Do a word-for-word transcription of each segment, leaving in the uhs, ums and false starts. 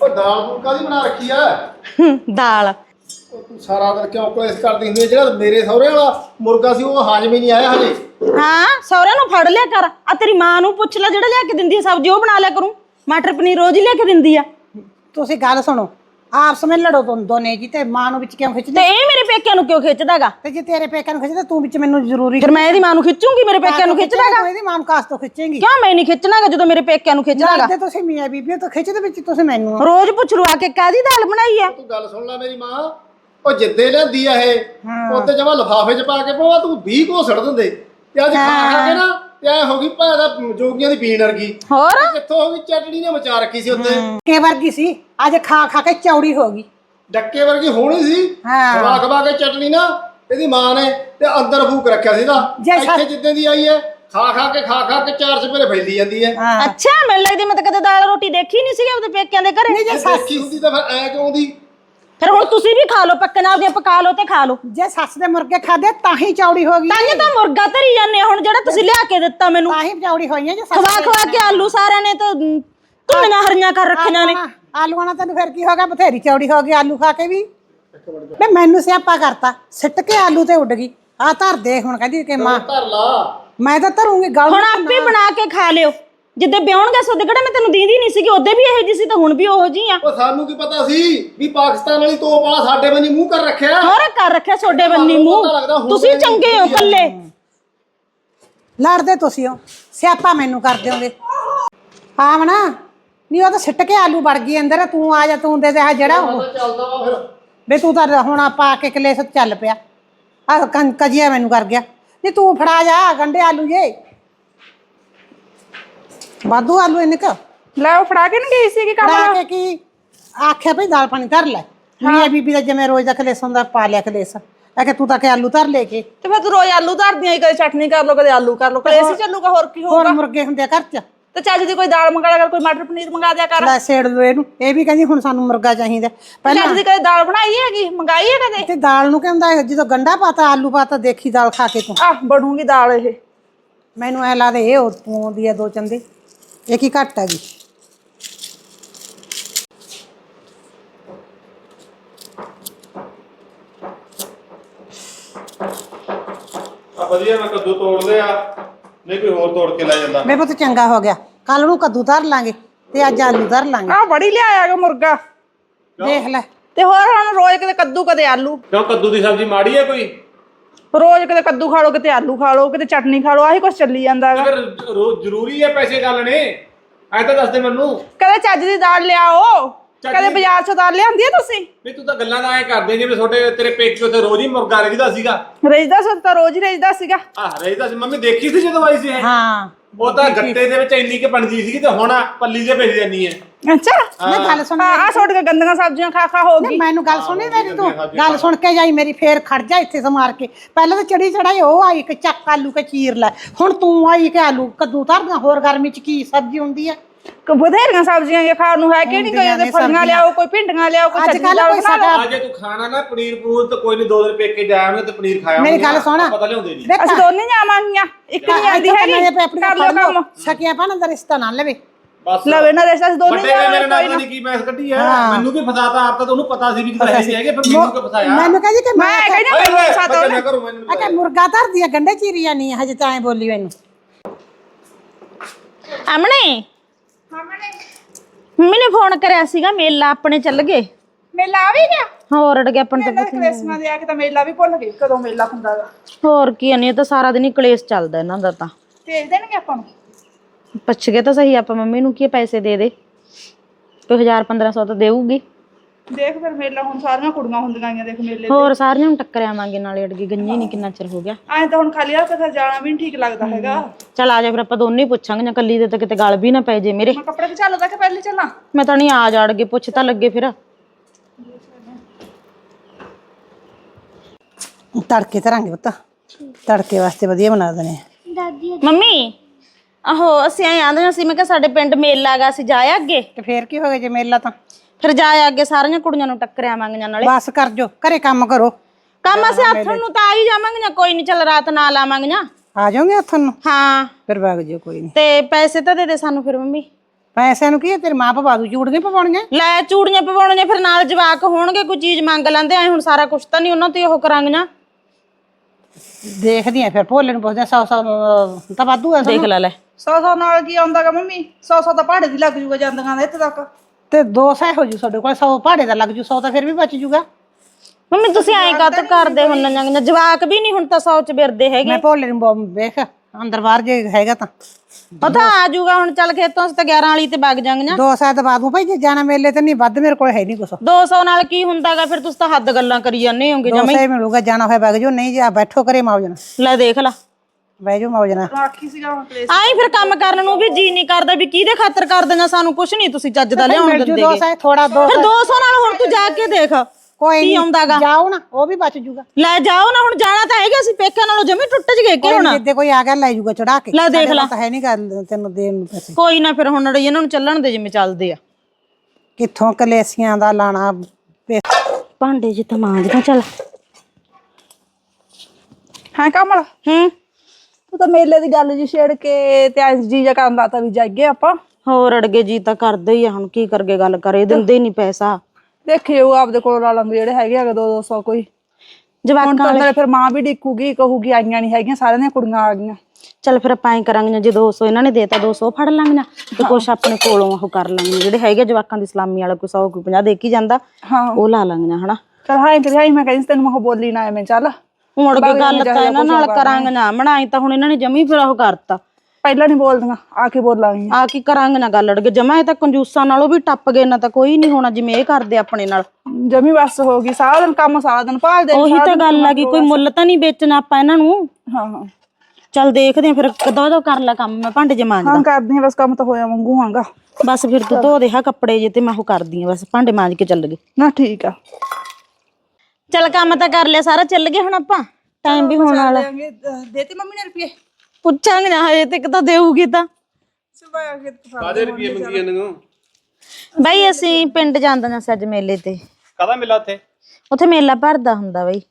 ਉਹ ਦਾਲ ਤੂੰ ਕਾਹਦੀ ਬਣਾ ਰੱਖੀ ਆ? ਦਾਲ ਉਹ ਤੂੰ ਸਾਰਾ ਦਿਨ ਕਿਉਂ ਕਲੇਸ਼ ਕਰਦੀ ਹੁੰਦੀ ਹੈ? ਜਿਹੜਾ ਮੇਰੇ ਸਹੁਰੇ ਵਾਲਾ ਮੁਰਗਾ ਸੀ ਉਹ ਹਾਜ਼ਮ ਹੀ ਨਹੀਂ ਆਇਆ ਹਜੇ। ਹਾਂ ਸਹੁਰਿਆਂ ਨੂੰ ਫੜ ਲਿਆ ਕਰ। ਆ ਤੇਰੀ ਮਾਂ ਨੂੰ ਪੁੱਛ ਲੈ, ਜਿਹੜਾ ਲਿਆ ਕੇ ਦਿੰਦੀ ਆ ਸਬਜ਼ੀ ਉਹ ਬਣਾ ਲਿਆ ਕਰੂੰ। ਮਟਰ ਪਨੀਰ ਰੋਜ਼ ਹੀ ਲਿਆ ਕੇ ਦਿੰਦੀ ਆ। ਤੁਸੀਂ ਗੱਲ ਸੁਣੋ, ਆਪਸ ਵਿੱਚ ਲੜੋ ਤੁਮ ਦੋਨੇ ਜੀ ਤੇ ਮਾਂ ਨੂੰ ਵਿੱਚ ਕਿਉਂ ਖਿੱਚਦੇ? ਤੇ ਇਹ ਮੇਰੇ ਪੇਕਿਆਂ ਨੂੰ ਕਿਉਂ ਖਿੱਚਦਾਗਾ? ਤੇ ਜੇ ਤੇਰੇ ਪੇਕਿਆਂ ਨੂੰ ਖਿੱਚਦੇ ਤੂੰ ਵਿੱਚ ਮੈਨੂੰ ਜ਼ਰੂਰੀ ਫਿਰ ਮੈਂ ਇਹਦੀ ਮਾਂ ਨੂੰ ਖਿੱਚੂੰਗੀ, ਮੇਰੇ ਪੇਕਿਆਂ ਨੂੰ ਖਿੱਚਦਾਗਾ? ਤੂੰ ਇਹਦੀ ਮਾਂ ਨੂੰ ਕਾਸ ਤੋਂ ਖਿੱਚੇਂਗੀ? ਕਿਉਂ ਮੈਂ ਨਹੀਂ ਖਿੱਚਣਾਗਾ ਜਦੋਂ ਮੇਰੇ ਪੇਕਿਆਂ ਨੂੰ ਖਿੱਚਦਾਗਾ? ਲੜਦੇ ਤੁਸੀਂ ਮੀਆਂ ਬੀਬੀ ਤੋਂ ਖਿੱਚਦੇ ਵਿੱਚ ਤੁਸੀਂ ਮੈਨੂੰ। ਰੋਜ਼ ਪੁੱਛ ਲੂ ਆ ਕੇ ਕਾਹਦੀ ਦਾਲ ਬਣਾਈ ਆ। ਤੂੰ ਗੱਲ ਸੁਣ ਲੈ ਮੇਰੀ ਮਾਂ, ਉਹ ਜਿੱਦੇ ਲਿਆਂਦੀ ਆ ਇਹ ਉੱਤੇ ਜਮਾ ਲਿਫਾਫੇ 'ਚ ਪਾ ਕੇ ਪਵਾ ਤੂੰ ਵੀਹ ਕੋ ਸੜ ਦਿੰਦੇ ਤੇ ਅੱਜ ਖਾ ਖਾ ਕੇ ਨਾ ਤੇ ਐ ਹੋ ਗਈ ਭਾਂ ਦਾ ਜੋਗੀਆਂ ਦੀ ਪੀਣ ਵਰਗੀ। ਹੋਰ ਕਿੱਥੋਂ ਹੋ ਗਈ? ਚਟਣੀ ਨੇ ਮਚਾ ਰੱਖੀ ਸੀ ਉੱਤੇ। ਕੇ ਵਰਗੀ ਸੀ, ਅੱਜ ਖਾ ਖਾ ਕੇ ਚੌੜੀ ਹੋ ਗਈ। ਡੱਕੇ ਵਰਗੀ ਹੋਣੀ ਸੀ। ਹਾਂ। ਖਵਾ ਖਵਾ ਕੇ ਚਟਣੀ ਨਾ ਇਹਦੀ ਮਾਂ ਨੇ ਤੇ ਅੰਦਰ ਫੂਕ ਰੱਖਿਆ ਸੀ ਦਾ। ਇੱਥੇ ਜਿੱਦਾਂ ਦੀ ਆਈ ਹੈ ਖਾ ਖਾ ਕੇ ਖਾ ਖਾ ਕੇ ਚਾਰ ਚਪੇਰੇ ਫੈਲੀ ਜਾਂਦੀ ਹੈ। ਅੱਛਾ ਮੈਨੂੰ ਲੱਗਦੀ ਮੈਂ ਤਾਂ ਕਦੇ ਦਾਲ ਰੋਟੀ ਦੇਖੀ ਨਹੀਂ ਸੀ ਆਪਦੇ ਪੇਕਿਆਂ ਦੇ ਘਰੇ। ਜੇ ਦੇਖੀ ਹੁੰਦੀ ਤਾਂ ਫਿਰ ਐ ਕਿਉਂ ਦੀ? ਫਿਰ ਹੁਣ ਤੁਸੀਂ ਵੀ ਖਾ ਲਓ, ਪੱਕੇ ਨਾਲ ਦੀਆਂ ਪਕਾ ਲਓ ਤੇ ਖਾ ਲਓ। ਜੇ ਸੱਸ ਦੇ ਮੁਰਗੇ ਖਾਦੇ ਤਾਂ ਹੀ ਚੌੜੀ ਹੋ ਗਈ। ਤਾਂ ਤਾਂ ਮੁਰਗਾ ਧਰੀ ਜਾਂਦੇ ਹੁਣ ਜਿਹੜਾ ਤੁਸੀਂ ਲਿਆ ਕੇ ਦਿੱਤਾ ਮੈਨੂੰ। ਤਾਂ ਹੀ ਚੌੜੀ ਹੋਈਆਂ ਜੇ ਖਵਾ ਖਵਾ ਕੇ ਆਲੂ ਸਾਰਿਆਂ ਨੇ ਤਾਂ ਧੁੰਨੀਆਂ ਹਰੀਆਂ ਕਰ ਰੱਖੀਆਂ ਨੇ। ਆਲੂਆਂ ਨਾਲ ਤੈਨੂੰ ਫਿਰ ਕੀ ਹੋ ਗਿਆ? ਬਥੇਰੀ ਚੌੜੀ ਹੋ ਗਈ ਆਲੂ ਖਾ ਕੇ ਵੀ। ਵੇ ਮੈਨੂੰ ਸਿਆਪਾ ਕਰਤਾ, ਸਿੱਟ ਕੇ ਆਲੂ ਤੇ ਉੱਡ ਗਈ। ਆ ਧਰ ਦੇ ਹੁਣ ਕਹਿੰਦੀ ਕਿ ਮਾਂ ਧਰ ਲਾ। ਮੈਂ ਤਾਂ ਧਰੂੰਗੀ ਗੱਲ। ਹੁਣ ਆਪੇ ਬਣਾ ਕੇ ਖਾ ਲਿਓ। ਜਿੱਦੇ ਵਿਆਹਣਗੇ ਸੋਦੇ ਕਿਹੜਾ ਮੈਂ ਤੈਨੂੰ ਦੀਦੀ ਨਹੀਂ ਸੀਗੀ, ਉਹਦੇ ਵੀ ਇਹੋ ਜੀ ਸੀ ਤਾਂ ਹੁਣ ਵੀ ਉਹੋ ਜੀ ਆ। ਉਹ ਸਾਨੂੰ ਕੀ ਪਤਾ ਸੀ ਵੀ ਪਾਕਿਸਤਾਨ ਵਾਲੀ ਤੋਪ ਵਾਲਾ ਸਾਡੇ ਬੰਨੀ ਮੂੰਹ ਕਰ ਰੱਖਿਆ। ਹੋਰ ਕਰ ਰੱਖਿਆ ਛੋਡੇ ਬੰਨੀ ਮੂੰਹ। ਤੁਸੀਂ ਚੰਗੇ ਹੋ ਕੱਲੇ। ਲੜਦੇ ਤੁਸੀਂ ਹੋ, ਸਿਆਪਾ ਮੈਨੂੰ ਕਰ ਦਿਓਗੇ। ਆਵਣਾ ਨਹੀਂ, ਉਹ ਤਾਂ ਸਿੱਟ ਕੇ ਆਲੂ ਵੜ ਗਈ ਅੰਦਰ। ਤੂੰ ਆ ਜਾ, ਤੂੰ ਦੇ ਦੇ ਜਿਹੜਾ ਚੱਲਦਾ ਵਾ ਫਿਰ। ਵੇ ਤੂੰ ਤਾਂ ਹੁਣ ਪਾ ਕੇ ਕਲੇਸ਼ ਚੱਲ ਪਿਆ। ਆ ਕਜੀਆ ਮੈਨੂੰ ਕਰ ਗਿਆ। ਨਹੀਂ ਤੂੰ ਫੜਾ ਜਾ ਗੰਡੇ ਆਲੂ ਜੇ ਵਾਧੂ ਆਲੂ ਇਹਨੇ ਕ ਲੈ ਉਹ ਫੜਾ ਕੇ ਨਹੀਂ ਗਈ ਸੀ ਕਿ ਕੰਮ ਫੜਾ ਕੇ ਕੀ ਆਖਿਆ ਭਈ ਦਾਲ ਪਾਣੀ ਧਰ ਲੈ। ਮੀਆਂ ਬੀਬੀ ਦਾ ਜਿਵੇਂ ਰੋਜ਼ ਦਾ ਕਲੇਸ਼ ਹੁੰਦਾ ਪਾ ਲਿਆ ਕਲੇਸ਼। ਆ ਕਿ ਤੂੰ ਤਾਂ ਕਿ ਆਲੂ ਧਰ ਲੈ ਕੇ ਤੇ ਫਿਰ ਤੂੰ ਰੋਜ਼ ਆਲੂ ਧਰਦੀਆਂ, ਕਦੇ ਚਟਨੀ ਕਰ ਲੋ, ਕਦੇ ਆਲੂ ਕਰ ਲੋ, ਕਲੇਸ਼ ਹੀ ਚੱਲੂਗਾ। ਹੋਰ ਕੀ ਹੋਰ ਹੋਊਗਾ? ਮੁਰਗੇ ਹੁੰਦੇ ਆ ਘਰ ਚ। ਤੇ ਚੱਜ ਦੀ ਕੋਈ ਦਾਲ ਮੰਗਾ ਲਿਆ ਕਰ, ਕੋਈ ਮਟਰ ਪਨੀਰ ਮੰਗਾ ਦਿਆ ਕਰ। ਲੈ ਸੇੜ ਲੋ ਇਹਨੂੰ। ਇਹ ਵੀ ਕਹਿੰਦੀ ਹੁਣ ਸਾਨੂੰ ਮੁਰਗਾ ਚਾਹੀਦਾ। ਪਹਿਲਾਂ ਚੱਜ ਦੀ ਕਦੇ ਦਾਲ ਬਣਾਈ ਹੈਗੀ, ਮੰਗਾਈ ਹੈ ਕਦੇ? ਤੇ ਦਾਲ ਨੂੰ ਕਹਿੰਦਾ ਜਦੋਂ ਗੰਡਾ ਪਾਤਾ ਆਲੂ ਪਾਤਾ ਦੇਖੀ ਦਾਲ ਖਾ ਕੇ ਤੂੰ। ਆਹ ਬਣੂਗੀ ਦਾਲ ਇਹ। ਮੈਨੂੰ ਐ ਲੱਗਦਾ ਇਹ ਉਹ ਪਾਉਂਦੀ ਆ ਦੋ ਚੰਦੇ, ਇੱਕ ਹੀ ਘੱਟ ਹੈਗੀ। ਆ ਵਧੀਆ ਮੈਂ ਕੱਦੂ ਤੋੜ ਲਿਆ, ਨਹੀਂ ਕੋਈ ਹੋਰ ਤੋੜ ਕੇ ਲੈ ਜਾਂਦਾ। ਮੇਰੇ ਪੁੱਤ ਚੰਗਾ ਹੋ ਗਿਆ, ਕੱਲ ਨੂੰ ਕੱਦੂ ਧਰ ਲਾਂਗੇ ਤੇ ਅੱਜ ਆਲੂ ਧਰ ਲਾਂਗੇ। ਆਹ ਬੜੀ ਲਿਆਇਆਗਾ ਮੁਰਗਾ, ਦੇਖ ਲੈ। ਤੇ ਹੋਰ ਹੁਣ ਰੋਜ਼ ਕਦੇ ਕੱਦੂ ਕਦੇ ਆਲੂ। ਕਿਉਂ ਕੱਦੂ ਦੀ ਸਬਜ਼ੀ ਮਾੜੀ ਹੈ ਕੋਈ? ਰੋਜ਼ ਕਦੇ ਕੱਦੂ ਖਾ ਲੋ, ਕਿਤੇ ਆਲੂ ਖਾ ਲੋ, ਕਿਤੇ ਚਟਨੀ ਖਾ ਲੋ, ਆਹੀ ਕੁਛ ਚੱਲੀ ਜਾਂਦਾ ਹੈਗਾ। ਫਿਰ ਰੋਜ਼ ਜ਼ਰੂਰੀ ਹੈ ਪੈਸੇ ਗੱਲ ਨੇ? ਐ ਤਾਂ ਦੱਸ ਦੇ ਮੈਨੂੰ। ਕਦੇ ਚੱਜ ਦੀ ਦਾਲ ਲਿਆਓ, ਕਦੇ ਬਾਜ਼ਾਰ ਚੋਂ ਦਾਲ ਲਿਆਂਦੀ ਹੈ ਤੁਸੀਂ? ਨਹੀਂ ਤੂੰ ਤਾਂ ਗੱਲਾਂ ਤਾਂ ਐ ਕਰਦੇ ਜਿਵੇਂ ਤੁਹਾਡੇ ਤੇਰੇ ਪੇਕੇ ਉੱਥੇ ਰੋਜ਼ ਹੀ ਮੁਰਗਾ ਰਹਿੰਦਾ ਸੀਗਾ। ਰਜਦਾ ਸੁੱਤ ਤਾਂ ਰੋਜ਼ ਹੀ ਰਜਦਾ ਸੀਗਾ। ਆਹ ਰਹਿੰਦਾ ਸੀ, ਮੰਮੀ ਦੇਖੀ ਸੀ ਜਦੋਂ ਆਈ ਸੀ ਇਹ। ਹਾਂ ਉਹ ਤਾਂ ਗੱਟੇ ਦੇ ਵਿੱਚ ਇੰਨੀ ਕਿ ਬਣਦੀ ਸੀਗੀ ਤੇ ਹੁਣ ਪੱਲੀ ਦੇ ਭੇਜ ਜਾਨੀ ਹੈ। ਅੱਛਾ ਮੈਂ ਗੱਲ ਸੁਣ। ਆ ਛੋਟ ਕੇ ਗੰਦੀਆਂ ਸਬਜ਼ੀਆਂ ਖਾ ਖਾ ਹੋ ਗਈ। ਮੈਨੂੰ ਗੱਲ ਸੁਣੀ ਮੇਰੀ, ਤੂੰ ਗੱਲ ਸੁਣ ਕੇ ਜਾਈ ਮੇਰੀ। ਫੇਰ ਖੜ ਜਾ ਇੱਥੇ ਸਮਾਰ ਕੇ। ਪਹਿਲਾਂ ਤਾਂ ਚੜੀ ਚੜਾਈ ਉਹ ਆਈ ਕਿ ਚੱਕ ਆਲੂ ਕੇ ਚੀਰ ਲੈ। ਹੁਣ ਤੂੰ ਆਈ ਕਿ ਆਲੂ ਕੱਦੂ ਧਰਦੀਆਂ। ਹੋਰ ਗਰਮੀ ਚ ਕੀ ਸਬਜ਼ੀ ਹੁੰਦੀ ਹੈ? ਬਥੇਰੀਆਂ ਸਬਜ਼ੀਆਂ ਇਹ ਖਾਣ ਨੂੰ ਹੈ ਕਿ ਨਹੀਂ? ਕੋਈ ਫਲੀਆਂ ਲਿਆਓ, ਕੋਈ ਭਿੰਡੀਆਂ ਲਿਆਓ, ਕੋਈ ਅੱਜ ਕੱਲ ਕੋਈ ਸਾਡਾ ਅੱਜ ਤੂੰ ਖਾਣਾ ਨਾ ਪਨੀਰ ਪਨੂਰ ਤਾਂ ਕੋਈ ਨਹੀਂ, ਦੋ ਦਿਨ ਪੇਕੇ ਜਾਇਆ ਮੈਂ ਤੇ ਪਨੀਰ ਖਾਇਆ। ਮੇਰੀ ਗੱਲ ਸੁਣ, ਪਤਾ ਲਿਆਉਂਦੇ ਨਹੀਂ। ਅਸੀਂ ਦੋਨੇ ਜਾਵਾਂਗੀਆਂ, ਇੱਕ ਨਹੀਂ ਆਂਦੀ ਹੈਗੀ। ਕਰ ਲੋ ਕੰਮ। ਸਕੀਆਂ ਪਾਣ ਦਾ ਰਿਸ਼ਤਾ ਨਾ ਲਵੇ। ਬਸ ਲਵੇ ਨਾ ਰਿਸ਼ਤਾ, ਅਸੀਂ ਦੋਨੇ ਵੱਡੇ ਨੇ ਮੇਰੇ ਨਾਲ ਜਾਵਾਂਗੇ। ਨਹੀਂ ਕੀ ਮੈਸ ਕੱਢੀ ਹੈ। ਮੈਨੂੰ ਵੀ ਫਸਾਤਾ। ਆਪ ਤਾਂ ਉਹਨੂੰ ਪਤਾ ਸੀ ਵੀ ਕਿਤੇ ਹੈ ਹੈਗੇ, ਪਰ ਮੈਨੂੰ ਕਿਉਂ ਫਸਾਇਆ? ਮੈਨੂੰ ਕਹਿੰਦੀ ਕਿ ਮੈਂ ਕਹਿੰਦਾ ਮੈਨੂੰ ਫਸਾਤਾ ਨਾ ਕਰੋ ਮੈਨੂੰ। ਆ ਕਿ ਮੁਰਗਾ ਧਰਦੀ ਆ ਗੰਡੇ ਚੀਰੀ ਜਾਨੀ ਆ। ਹਜੇ ਤਾਂ ਐ ਬੋਲੀ ਮੈਨੂੰ। ਅਮਣੇ ਮੰਮੀ ਨੇ ਫੋਨ ਕਰਿਆ ਸੀਗਾ, ਮੇਲਾ ਆਪਣੇ ਚੱਲ ਗਏ। ਮੇਲਾ ਆ ਵੀ ਗਿਆ? ਹੋਰ ਅੜ ਗਿਆ ਆਪਾਂ ਤਾਂ। ਕ੍ਰਿਸਮਸ ਦੇ ਆ ਕੇ ਤਾਂ ਮੇਲਾ ਵੀ ਭੁੱਲ ਗਏ ਕਦੋਂ ਮੇਲਾ ਹੁੰਦਾ ਵਾ। ਹੋਰ ਕੀ ਨਹੀਂ, ਤਾਂ ਸਾਰਾ ਦਿਨ ਹੀ ਕਲੇਸ਼ ਚੱਲਦਾ ਇਹਨਾਂ ਦਾ। ਤਾਂ ਭੇਜ ਦੇਣਗੇ ਆਪਾਂ ਨੂੰ? ਪੁੱਛ ਗਏ ਤਾਂ ਸਹੀ ਆਪਾਂ ਮੰਮੀ ਨੂੰ, ਕੀ ਪੈਸੇ ਦੇ ਦੇ, ਕੋਈ ਹਜ਼ਾਰ ਪੰਦਰਾਂ ਸੌ ਤਾਂ ਦੇਊਗੀ। ਦੇਖ ਫਿਰ ਮੇਲਾ ਹੁਣ ਸਾਰੀਆਂ ਕੁੜੀਆਂ ਹੁੰਦੀਆਂ ਆਈਆਂ ਦੇਖ ਮੇਲੇ। ਹੋਰ ਸਾਰਿਆਂ ਨੂੰ ਟੱਕਰ ਆਵਾਂਗੇ ਨਾਲੇ। ਅੜ ਗਈ ਗੰਜੀ ਨਹੀਂ, ਕਿੰਨਾ ਚਿਰ ਹੋ ਗਿਆ। ਐਂ ਤਾਂ ਹੁਣ ਖਾਲੀ ਹੱਥ ਫਿਰ ਜਾਣਾ ਵੀ ਨਹੀਂ ਠੀਕ ਲੱਗਦਾ ਹੈਗਾ। ਚੱਲ ਆ ਜਾ ਫਿਰ, ਆਪਾਂ ਦੋਨੇ ਹੀ ਪੁੱਛਾਂਗੇ। ਕੱਲੀ ਦੇ ਤਾਂ ਕਿਤੇ ਗਲ ਵੀ ਨਾ ਪੈ ਜੇ ਮੇਰੇ। ਮੈਂ ਕੱਪੜੇ ਤੇ ਚੱਲਦਾ ਕਿ ਪਹਿਲੇ ਚੱਲਾਂ? ਮੈਂ ਤਾਂ ਨਹੀਂ ਆ ਜਾੜ ਕੇ ਪੁੱਛ ਤਾਂ ਲੱਗੇ ਫਿਰ। ਤੜਕੇ ਧਰਾਂਗੇ ਪੁੱਤ, ਤੜਕੇ ਵਾਸਤੇ ਵਧੀਆ ਬਣਾ ਦਨੇ ਦਾਦੀ। ਮੰਮੀ ਆਹੋ ਅਸੀਂ ਐਂ ਆਂਦੇ ਸੀ, ਮੈਂ ਕਿਹਾ ਸਾਡੇ ਪਿੰਡ ਮੇਲਾ ਗਾ, ਅਸੀਂ ਜਾਇਆ ਅੱਗੇ। ਤੇ ਫੇਰ ਕੀ ਹੋ ਗਿਆ ਜੇ ਮੇਲਾ? ਤਾਂ ਫਿਰ ਜਾਇਆ ਅੱਗੇ ਸਾਰੀਆਂ ਕੁੜੀਆਂ ਨੂੰ ਟੱਕਰਿਆ ਮੰਗੀਆਂ ਨਾਲੇ। ਬਸ ਕਰ ਜੋ, ਘਰੇ ਕੰਮ ਕਰੋ। ਕੰਮ ਅਸੀਂ ਆਥਣ ਨੂੰ ਤਾਂ ਆ ਹੀ ਜਾਵਾਂਗੀਆਂ, ਕੋਈ ਨਹੀਂ। ਚੱਲ ਰਾਤ ਨਾ ਲਾਵਾਂਗੀਆਂ। ਆ ਜਾਓਗੇ ਹੱਥਾਂ ਨੂੰ? ਹਾਂ ਫਿਰ ਵਗ ਜਿਓ, ਕੋਈ ਨਹੀਂ। ਤੇ ਪੈਸੇ ਤਾਂ ਦੇ ਦੇ ਸਾਨੂੰ ਫਿਰ ਮੰਮੀ। ਪੈਸਿਆਂ ਨੂੰ ਕੀ ਹੈ, ਤੇਰੀ ਮਾਂ ਪਵਾ ਦੂ ਚੂੜੀਆਂ ਪਵਾਉਣੀਆਂ। ਲੈ ਚੂੜੀਆਂ ਪਵਾਉਣੀਆਂ ਫਿਰ ਨਾਲ ਜਵਾਕ ਹੋਣਗੇ ਕੋਈ ਚੀਜ਼ ਮੰਗ ਲੈਂਦੇ ਐ ਹੁਣ ਸਾਰਾ ਕੁਛ ਤਾਂ ਨਹੀਂ ਉਹਨਾਂ ਤੇ ਉਹ ਕਰਾਂਗੀਆਂ। ਦੇਖਦੀ ਆ ਫਿਰ ਭੋਲੇ ਨੂੰ ਪੁੱਛਦੇ ਸੌ ਸੌ ਤਾਂ ਵਾਧੂ ਆ ਦੇਖ ਲੈ ਲੈ ਸੌ ਸੌ ਨਾਲ ਕੀ ਆਉਂਦਾਗਾ ਮੰਮੀ? ਸੌ ਸੌ ਤਾਂ ਪਹਾੜੇ ਦੀ ਲੱਗ ਜੂਗਾ ਜਾਂਦੀਆਂ ਦਾ ਇੱਥੇ ਤੱਕ। ਤੇ ਦੋ ਸੌ ਹੋ ਜੂ ਸਾਡੇ ਕੋਲ, ਸੌ ਭਾੜੇ ਦਾ ਲੱਗ ਜੂ, ਸੌ ਤਾਂ ਫਿਰ ਵੀ ਬਚ ਜੂਗਾ। ਮੰਮੀ ਤੁਸੀਂ ਐਂ ਕਾਹਤੋਂ ਕਰਦੇ ਹੁਣ ਨੰਗੀਆਂ ਜਵਾਕ ਵੀ ਨਹੀਂ ਹੁਣ ਤਾਂ ਸੌ ਚ ਬਿਰਦੇ ਹੈਗੇ। ਮੈਂ ਭੋਲੇ ਨੂੰ ਬ- ਵੇਖ ਅੰਦਰ ਬਾਹਰ ਜੇ ਹੈਗਾ ਤਾਂ ਪਤਾ ਆ ਜਾਊਗਾ ਹੁਣ ਚੱਲ ਖੇਤੋਂ ਤੇ ਗਿਆਰਾਂ ਵਾਲੀ ਤੇ ਵਗ ਜਾਂਗੀਆਂ। ਦੋ ਸੌ ਦਵਾ ਦੂੰ ਭਾਈ, ਜੇ ਜਾਣਾ ਮੇਲੇ ਤੇ ਨਹੀਂ ਵੱਧ ਮੇਰੇ ਕੋਲ ਹੈ ਨਹੀਂ ਕੁਛ। ਦੋ ਸੌ ਨਾਲ ਕੀ ਹੁੰਦਾਗਾ ਫਿਰ ਤੁਸੀਂ ਤਾਂ ਹੱਦ ਗੱਲਾਂ ਕਰੀ ਜਾਂਦੇ ਹੋਗੇ ਦੋ ਜਮੇ। ਸੌ ਹੀ ਮਿਲੂਗਾ, ਜਾਣਾ ਹੋਇਆ ਵਗ ਜੋ, ਨਹੀਂ ਜਾ ਬੈਠੋ ਕਰੇ ਮੌਜ ਨਾਲ, ਲੈ ਦੇਖ ਲਾ ਬਹਿ ਜਾਓ ਮੌਜ ਨਾਲ। ਆਖੀ ਸੀਗਾ ਹੁਣ ਕਲੇਸ਼। ਆਈ ਫਿਰ ਕੰਮ ਕਰਨ ਨੂੰ ਵੀ ਜੀ ਨਹੀਂ ਕਰਦਾ ਵੀ ਕਿਹਦੇ ਖਾਤਰ ਕਰ ਦੇਣਾ ਸਾਨੂੰ ਕੁਛ ਨਹੀਂ ਤੁਸੀਂ ਚੱਜ ਦਾ ਲਿਆਉਣ ਮਿਲ ਜੂ ਦਿੰਦੇ ਦੋ ਸੌ ਥੋੜਾ ਦੋ ਫਿਰ ਦੋ ਸੌ ਨਾਲ ਹੁਣ ਤੂੰ ਜਾ ਕੇ ਦੇਖ ਕੋਈ ਕੀ ਨਹੀਂ ਆਉਂਦਾਗਾ। ਜਾਓ ਨਾ, ਉਹ ਵੀ ਬਚ ਜੂਗਾ। ਲੈ ਜਾਓ ਨਾ ਹੁਣ ਜਾਣਾ ਤਾਂ ਹੈਗਾ ਸੀ ਪੇਕਿਆਂ ਨਾਲੋਂ ਜਮੀ ਟੁੱਟ ਜ ਗਏ ਕਿ ਹੁਣ ਜਿੱਦੇ ਕੋਈ ਆ ਗਿਆ ਲੈ ਜੂਗਾ ਚੜਾ ਕੇ। ਲੈ ਦੇਖ ਲਾ ਤਾਂ ਹੈ ਨਹੀਂ ਗੱਲ ਤੈਨੂੰ ਦੇਣ ਨੂੰ ਪੈਸੇ। ਕੋਈ ਨਾ ਫਿਰ ਹੁਣ ਅੜੀ ਇਹਨਾਂ ਨੂੰ ਚੱਲਣ ਦੇ ਜਿਵੇਂ ਚੱਲਦੇ ਆ। ਕਿੱਥੋਂ ਕਲੇਸੀਆਂ ਦਾ ਲਾਣਾ ਪੇ- ਭਾਂਡੇ ਜਿੱਤ ਮਾਂਜਦਾ ਚੱਲ। ਹਾਂ ਕਮਲ, ਹੂੰ ਤੂੰ ਤਾਂ ਮੇਲੇ ਦੀ ਗੱਲ ਜੀ ਛੇੜ ਕੇ ਤੇ ਐਸ ਜੀ ਜਾ ਕਰਨ ਲਾਤਾ ਵੀ ਜਾਈਏ ਆਪਾਂ। ਹੋਰ ਅੜਗੇ ਜੀ ਤਾਂ ਕਰਦੇ ਹੀ ਆ ਹੁਣ ਕੀ ਕਰਗੇ ਗੱਲ ਕਰੇ ਦਿੰਦੇ ਨਹੀਂ ਪੈਸਾ। ਦੇਖਿਓ ਆਪਦੇ ਕੋਲ ਲਾ ਲਾਂਗੇ ਜਿਹੜੇ ਹੈਗੇ ਆ ਦੋ ਦੋ ਸੌ ਕੋਈ। ਹੁਣ ਜਵਾਕਾਂ ਤਾਂ ਵਾਲੇ ਨਾਲੇ ਫਿਰ ਮਾਂ ਵੀ ਡਿੱਕੂਗੀ ਕਹੂਗੀ ਆਈਆਂ ਨਹੀਂ ਹੈਗੀਆਂ ਸਾਰਿਆਂ ਦੀਆਂ ਕੁੜੀਆਂ ਆ ਗਈਆਂ। ਚੱਲ ਫਿਰ ਆਪਾਂ ਐਂ ਕਰਾਂਗੇ ਜੇ ਦੋ ਸੌ ਇਹਨਾਂ ਨੇ ਦੇਤਾ ਦੋ ਸੌ ਫੜ ਲਾਂਗੇ ਤੇ ਕੁਛ ਆਪਣੇ ਕੋਲੋਂ ਉਹ ਕਰ ਲਾਂਗੇ ਜਿਹੜੇ ਹੈਗੇ ਜਵਾਕਾਂ ਦੀ ਸਲਾਮੀ ਵਾਲਾ ਕੋਈ ਸੌ ਕੋਈ ਪੰਜਾਹ ਦੇ ਕੇ ਜਾਂਦਾ ਹਾਂ ਉਹ ਲਾ ਲਾਂਗੇ ਹਨਾ। ਚਲ ਹਾਂ ਕਰੀ ਹਾਂ ਮੈਂ ਕਹਿੰਦੀ ਤੈਨੂੰ ਮੈਂ ਬੋਲੀ ਨਾ ਐਵੇਂ ਚੱਲ। ਹੁਣ ਅੱਗੇ ਗੱਲ ਤਾਂ ਇਹਨਾਂ ਨਾਲ ਕਰਾਂਗੇ ਨਾ ਬਣਾਈ ਤਾਂ ਹੁਣ ਇਹਨਾਂ ਨੇ ਜਮੀ ਫਿਰ ਉਹ ਕਰਤਾ। ਪਹਿਲਾਂ ਨਹੀਂ ਬੋਲਦੀਆਂ ਆ ਕੇ ਬੋਲਾਂਗੀ। ਆ ਕੀ ਕਰਾਂਗੇ ਨਾ ਗੱਲ ਅੜਗੇ ਜਮਾ ਇਹ ਤਾਂ ਕੰਜੂਸਾਂ ਨਾਲੋਂ ਵੀ ਟੱਪ ਗਏ ਨਾ ਤਾਂ ਕੋਈ ਨਹੀਂ ਹੋਣਾ ਜਿਵੇਂ ਇਹ ਕਰਦੇ ਆਪਣੇ ਨਾਲ। ਜਮੀ ਬਸ ਹੋ ਗਈ ਸਾਰਾ ਦਿਨ ਕੰਮ ਸਾਰਾ ਦਿਨ ਭਾਲਦੇ। ਉਹੀ ਤਾਂ ਗੱਲ ਆ ਗਈ ਕੋਈ ਮੁੱਲ ਤਾਂ ਨਹੀਂ ਵੇਚਣਾ ਆਪਾਂ ਇਹਨਾਂ ਨੂੰ। ਹਾਂ ਹਾਂ ਚੱਲ ਦੇਖਦੇ ਆ ਫਿਰ ਕਦੋਂ ਕਦੋਂ ਕਰ ਲਾ ਕੰਮ ਮੈਂ ਭਾਂਡੇ ਜਮਾਂਜਦਾ। ਹਾਂ ਕਰਦੀ ਹਾਂ ਬਸ ਕੰਮ ਤਾਂ ਹੋਇਆ ਵਾਂਗੂ ਹਾਂਗਾ। ਬਸ ਫਿਰ ਤੂੰ ਧੋ ਦੇ ਹਾਂ ਕੱਪੜੇ ਜੇ ਤੇ ਮੈਂ ਉਹ ਕਰਦੀ ਆ ਬਸ ਭਾਂਡੇ ਮਾਂਜ ਕੇ ਚੱਲ ਗਏ। ਨਾ ਠੀਕ ਆ। ਚੱਲ ਕੰਮ ਤਾਂ ਕਰ ਲਿਆ ਸਾਰਾ ਚੱਲ ਗਏ ਹੁਣ ਆਪਾਂ ਟਾਈਮ ਵੀ ਹੋਣ ਵਾਲਾ। ਦੇਤੇ ਮੰਮੀ ਨੇ ਰੁਪਏ? ਪੁੱਛਾਂਗੇ ਨਾ ਹਜੇ ਤੱਕ ਤਾਂ ਦੇਊਗੀ ਤਾਂ। ਕਾਦੇ ਰੁਪਏ ਮੰਗੀ ਇਹਨਾਂ ਨੂੰ? ਬਈ ਅਸੀਂ ਪਿੰਡ ਜਾਂਦੇ ਸੀ ਅੱਜ ਮੇਲੇ ਤੇ। ਕਾਹਦਾ ਮੇਲਾ ਉੱਥੇ? ਉੱਥੇ ਮੇਲਾ ਭਰਦਾ ਹੁੰਦਾ ਬਈ।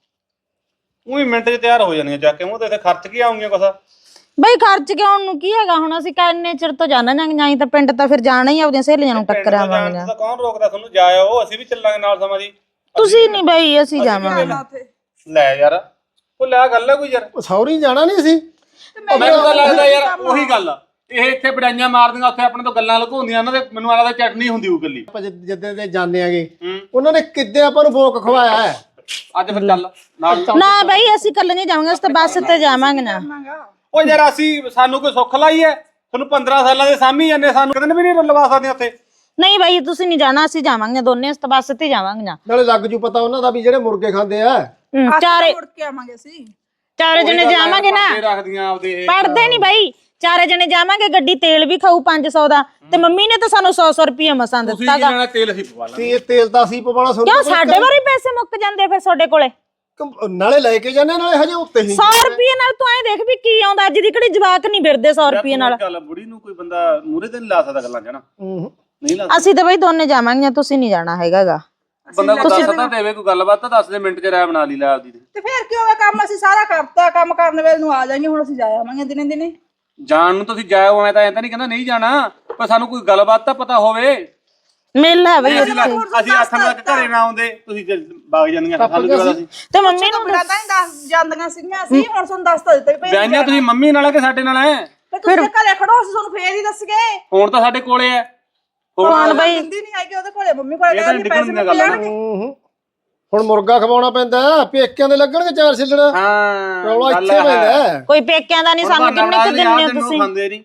ਉਹੀ ਮਿੰਟ 'ਚ ਤਿਆਰ ਹੋ ਜਾਣੀਆਂ ਜਾ ਕੇ, ਉਹ ਤੇ ਇੱਥੇ ਖਰਚ ਕੀ ਆਉਂਗੀਆਂ ਕੁਛ? ਬਈ ਖਰਚ ਕੇ ਆਉਣ ਨੂੰ ਕੀ ਹੈਗਾ ਹੁਣ ਅਸੀਂ ਕਿੰਨੇ ਚਿਰ ਤੋਂ ਜਾਣਾ ਜਾਂਗੇ ਨਹੀਂ ਤਾਂ ਪਿੰਡ ਤਾਂ ਫਿਰ ਜਾਣਾ ਹੀ ਆਪਦੀਆਂ ਸਹੇਲੀਆਂ ਨੂੰ ਟੱਕਰਾਵਾਂਗੇ। ਤਾਂ ਕੌਣ ਰੋਕਦਾ ਤੁਹਾਨੂੰ? ਜਾਇਓ, ਅਸੀਂ ਵੀ ਚੱਲਾਂਗੇ ਨਾਲ ਸਮਾਂ ਦੀ। ਤੁਸੀਂ ਨਹੀਂ ਬਈ ਅਸੀਂ ਜਾਵਾਂਗੇ। ਲੈ ਯਾਰ ਉਹ ਲੈ ਗੱਲ ਹੈ ਕੋਈ ਯਾਰ, ਸੌਰੀ ਜਾਣਾ ਨਹੀਂ ਸੀ। ਮੈਨੂੰ ਤਾਂ ਲੱਗਦਾ ਯਾਰ ਉਹੀ ਗੱਲ ਆ, ਇਹ ਇੱਥੇ ਬੜਾਈਆਂ ਮਾਰਦੀਆਂ ਉੱਥੇ ਆਪਣੇ ਤੋਂ ਗੱਲਾਂ ਲੁਕਾਉਂਦੀਆਂ ਉਹਨਾਂ ਦੇ। ਮੈਨੂੰ ਆਲਾ ਦਾ ਚਟਨੀ ਹੁੰਦੀ ਉਹ ਗੱਲੀ। ਆਪਾਂ ਜਿੱਦਾਂ ਦੇ ਜਾਂਦੇ ਆਗੇ ਉਹਨਾਂ ਨੇ ਕਿੱਦੇ ਆਪਾਂ ਨੂੰ ਭੋਗ ਖਵਾਇਆ ਹੈ। ਅੱਜ ਫਿਰ ਚੱਲ ਨਾਲ। ਨਾ ਬਈ ਅਸੀਂ ਕੱਲ ਨਹੀਂ ਜਾਵਾਂਗੇ ਅਸੀਂ ਤਾਂ ਬੱਸ ਤੇ ਜਾਵਾਂਗੇ ਨਾ। ਉਹ ਯਾਰ ਅਸੀਂ ਸਾਨੂੰ ਕੋਈ ਸੁੱਖ ਲਾਈ ਹੈ? ਤੁਹਾਨੂੰ ਪੰਦਰਾਂ ਸਾਲਾਂ ਦੇ ਸਾਹਮਣੇ ਜਾਂਦੇ, ਸਾਨੂੰ ਕਿਤੇ ਵੀ ਨਹੀਂ ਲਵਾ ਸਕਦੇ ਉੱਥੇ। ਨਹੀਂ ਬਈ ਤੁਸੀਂ ਨਹੀਂ ਜਾਣਾ ਅਸੀਂ ਜਾਵਾਂਗੇ ਦੋਨੇ, ਅਸੀਂ ਤਾਂ ਬੱਸ ਤੇ ਜਾਵਾਂਗੇ ਨਾ। ਨਾਲੇ ਲੱਗ ਜੂ ਪਤਾ ਉਹਨਾਂ ਦਾ ਵੀ ਜਿਹੜੇ ਮੁਰਗੇ ਖਾਂਦੇ ਆ। ਚਾਰੇ ਮੁੜ ਕੇ ਆਵਾਂਗੇ ਅਸੀਂ। ਚਾਰੇ ਜਣੇ ਜਾਵਾਂਗੇ ਨਾ। ਰੱਖਦੀਆਂ ਆਪਦੇ ਇਹ ਪੜਦੇ ਨਹੀਂ ਬਈ। ਚਾਰੇ ਜਣੇ ਜਾਵਾਂਗੇ, ਗੱਡੀ ਤੇਲ ਵੀ ਖਾਊ ਪੰਜ ਸੌ ਦਾ ਤੇ ਮੰਮੀ ਨੇ ਤਾਂ ਸਾਨੂੰ ਸੌ ਸੌ ਰੁਪਏ ਮਸਾਂ ਦਿੱਤਾਗਾ। ਤੇਲ ਅਸੀਂ ਪਵਾ ਲਾਂਗੇ। ਤੇਲ ਤਾਂ ਅਸੀਂ ਪਵਾਉਣਾ। ਕਿਉਂ ਸਾਡੇ ਵਾਰੀ ਪੈਸੇ ਮੁੱਕ ਜਾਂਦੇ ਫਿਰ ਤੁਹਾਡੇ ਕੋਲੇ? ਨਾਲੇ ਲੈ ਕੇ ਜਾਂਦੇ ਨਾਲੇ ਹਜੇ ਉੱਤੇ ਹੀ। ਸੌ ਰੁਪਏ ਨਾਲ ਤੂੰ ਐਂ ਦੇਖ ਵੀ ਕੀ ਆਉਂਦਾ। ਅੱਜ ਦੀ ਕਿਹੜੀ ਜਵਾਕ ਨਹੀਂ ਫਿਰਦੇ ਸੌ ਰੁਪਏ ਨਾਲ। ਗੱਲ ਬੁੜੀ ਨੂੰ ਕੋਈ ਬੰਦਾ ਮੂਰੇ ਤੇ ਨਹੀਂ ਲਾ ਸਕਦਾ ਗੱਲਾਂ ਜਣਾ। ਨਹੀਂ ਲਾ ਅਸੀਂ ਤਾਂ ਬਈ ਦੋਨੇ ਜਾਵਾਂਗੇ, ਤੁਸੀਂ ਨਹੀਂ ਜਾਣਾ ਹੈਗਾਗਾ। ਬੰਦਾ ਕੋਈ ਦੱਸਦਾ ਦੇਵੇ ਕੋਈ ਗੱਲਬਾਤ ਤਾਂ ਦੱਸ ਦੇ, ਮਿੰਟ 'ਚ ਰਾਇ ਬਣਾ ਲਈ ਲੈ ਆਪਦੀ। ਤੇ ਫਿਰ ਕੀ ਹੋਗਾ? ਕੰਮ ਅਸੀਂ ਸਾਰਾ ਕਰਤਾ, ਕੰਮ ਕਰਨ ਵੇਲੇ ਨੂੰ ਆ ਜਾਈਏ। ਹੁਣ ਅਸੀਂ ਜਾ ਆਵਾਂਗੇ ਦਿਨੇ ਦਿਨੇ। ਜਾਣ ਨੂੰ ਤੁਸੀਂ ਜਾਇਓ, ਐ ਤਾਂ ਐ ਤਾਂ ਨਹੀਂ ਕਹਿੰਦਾ ਨਹੀਂ ਜਾਣਾ, ਪਰ ਸਾਨੂੰ ਕੋਈ ਗੱਲਬਾਤ ਤਾਂ ਪਤਾ ਹੋਵੇ। ਮੇਲਾ ਹੈ ਬਈ ਅਸੀਂ ਅਸੀਂ ਆਖਣ ਤੱਕ ਘਰੇ ਨਾ ਆਉਂਦੇ ਤੁਸੀਂ ਬਾਗ ਜਾਂਦੀਆਂ ਸਾਨੂੰ ਕੀ ਪਤਾ ਸੀ। ਤੇ ਮੰਮੀ ਨੂੰ ਤਾਂ ਹੀ ਦੱਸ ਜਾਂਦੀਆਂ ਸੀਗੀਆਂ ਅਸੀਂ। ਹੁਣ ਤੁਹਾਨੂੰ ਦੱਸ ਤਾਂ ਦਿੱਤਾ ਵੀ ਬਿਆਨੀਆਂ ਤੁਸੀਂ ਮੰਮੀ ਨਾਲ ਆ ਕਿ ਸਾਡੇ ਨਾਲ ਐ? ਤੁਸੀਂ ਘਰੇ ਖੜੋ, ਅਸੀਂ ਤੁਹਾਨੂੰ ਫੇਰ ਹੀ ਦੱਸ ਗਏ। ਹੁਣ ਤਾਂ ਸਾਡੇ ਕੋਲੇ ਐ। ਹੁਣ ਬਈ ਹਿੰਦੀ ਨਹੀਂ ਹੈਗੀ ਉਹਦੇ ਕੋਲੇ, ਮੰਮੀ ਕੋਲੇ ਇਹ ਤਾਂ ਪੈਸੇ ਗੱਲ ਲੈਣਗੇ। ਹੁਣ ਮੁਰਗਾ ਖਵਾਉਣਾ ਪੈਂਦਾ, ਪੇਕਿਆਂ ਦੇ ਲੱਗਣਗੇ ਚਾਰ ਛਿੱਲੜ। ਹਾਂ ਰੌਲਾ ਇੱਥੇ ਪੈਂਦਾ। ਕੋਈ ਪੇਕਿਆਂ ਦਾ ਨਹੀਂ, ਸਾਨੂੰ ਕਿੰਨੇ ਕੁ ਦਿੰਦੇ ਹੋ ਤੁਸੀਂ? ਖਾਂਦੇ ਨਹੀਂ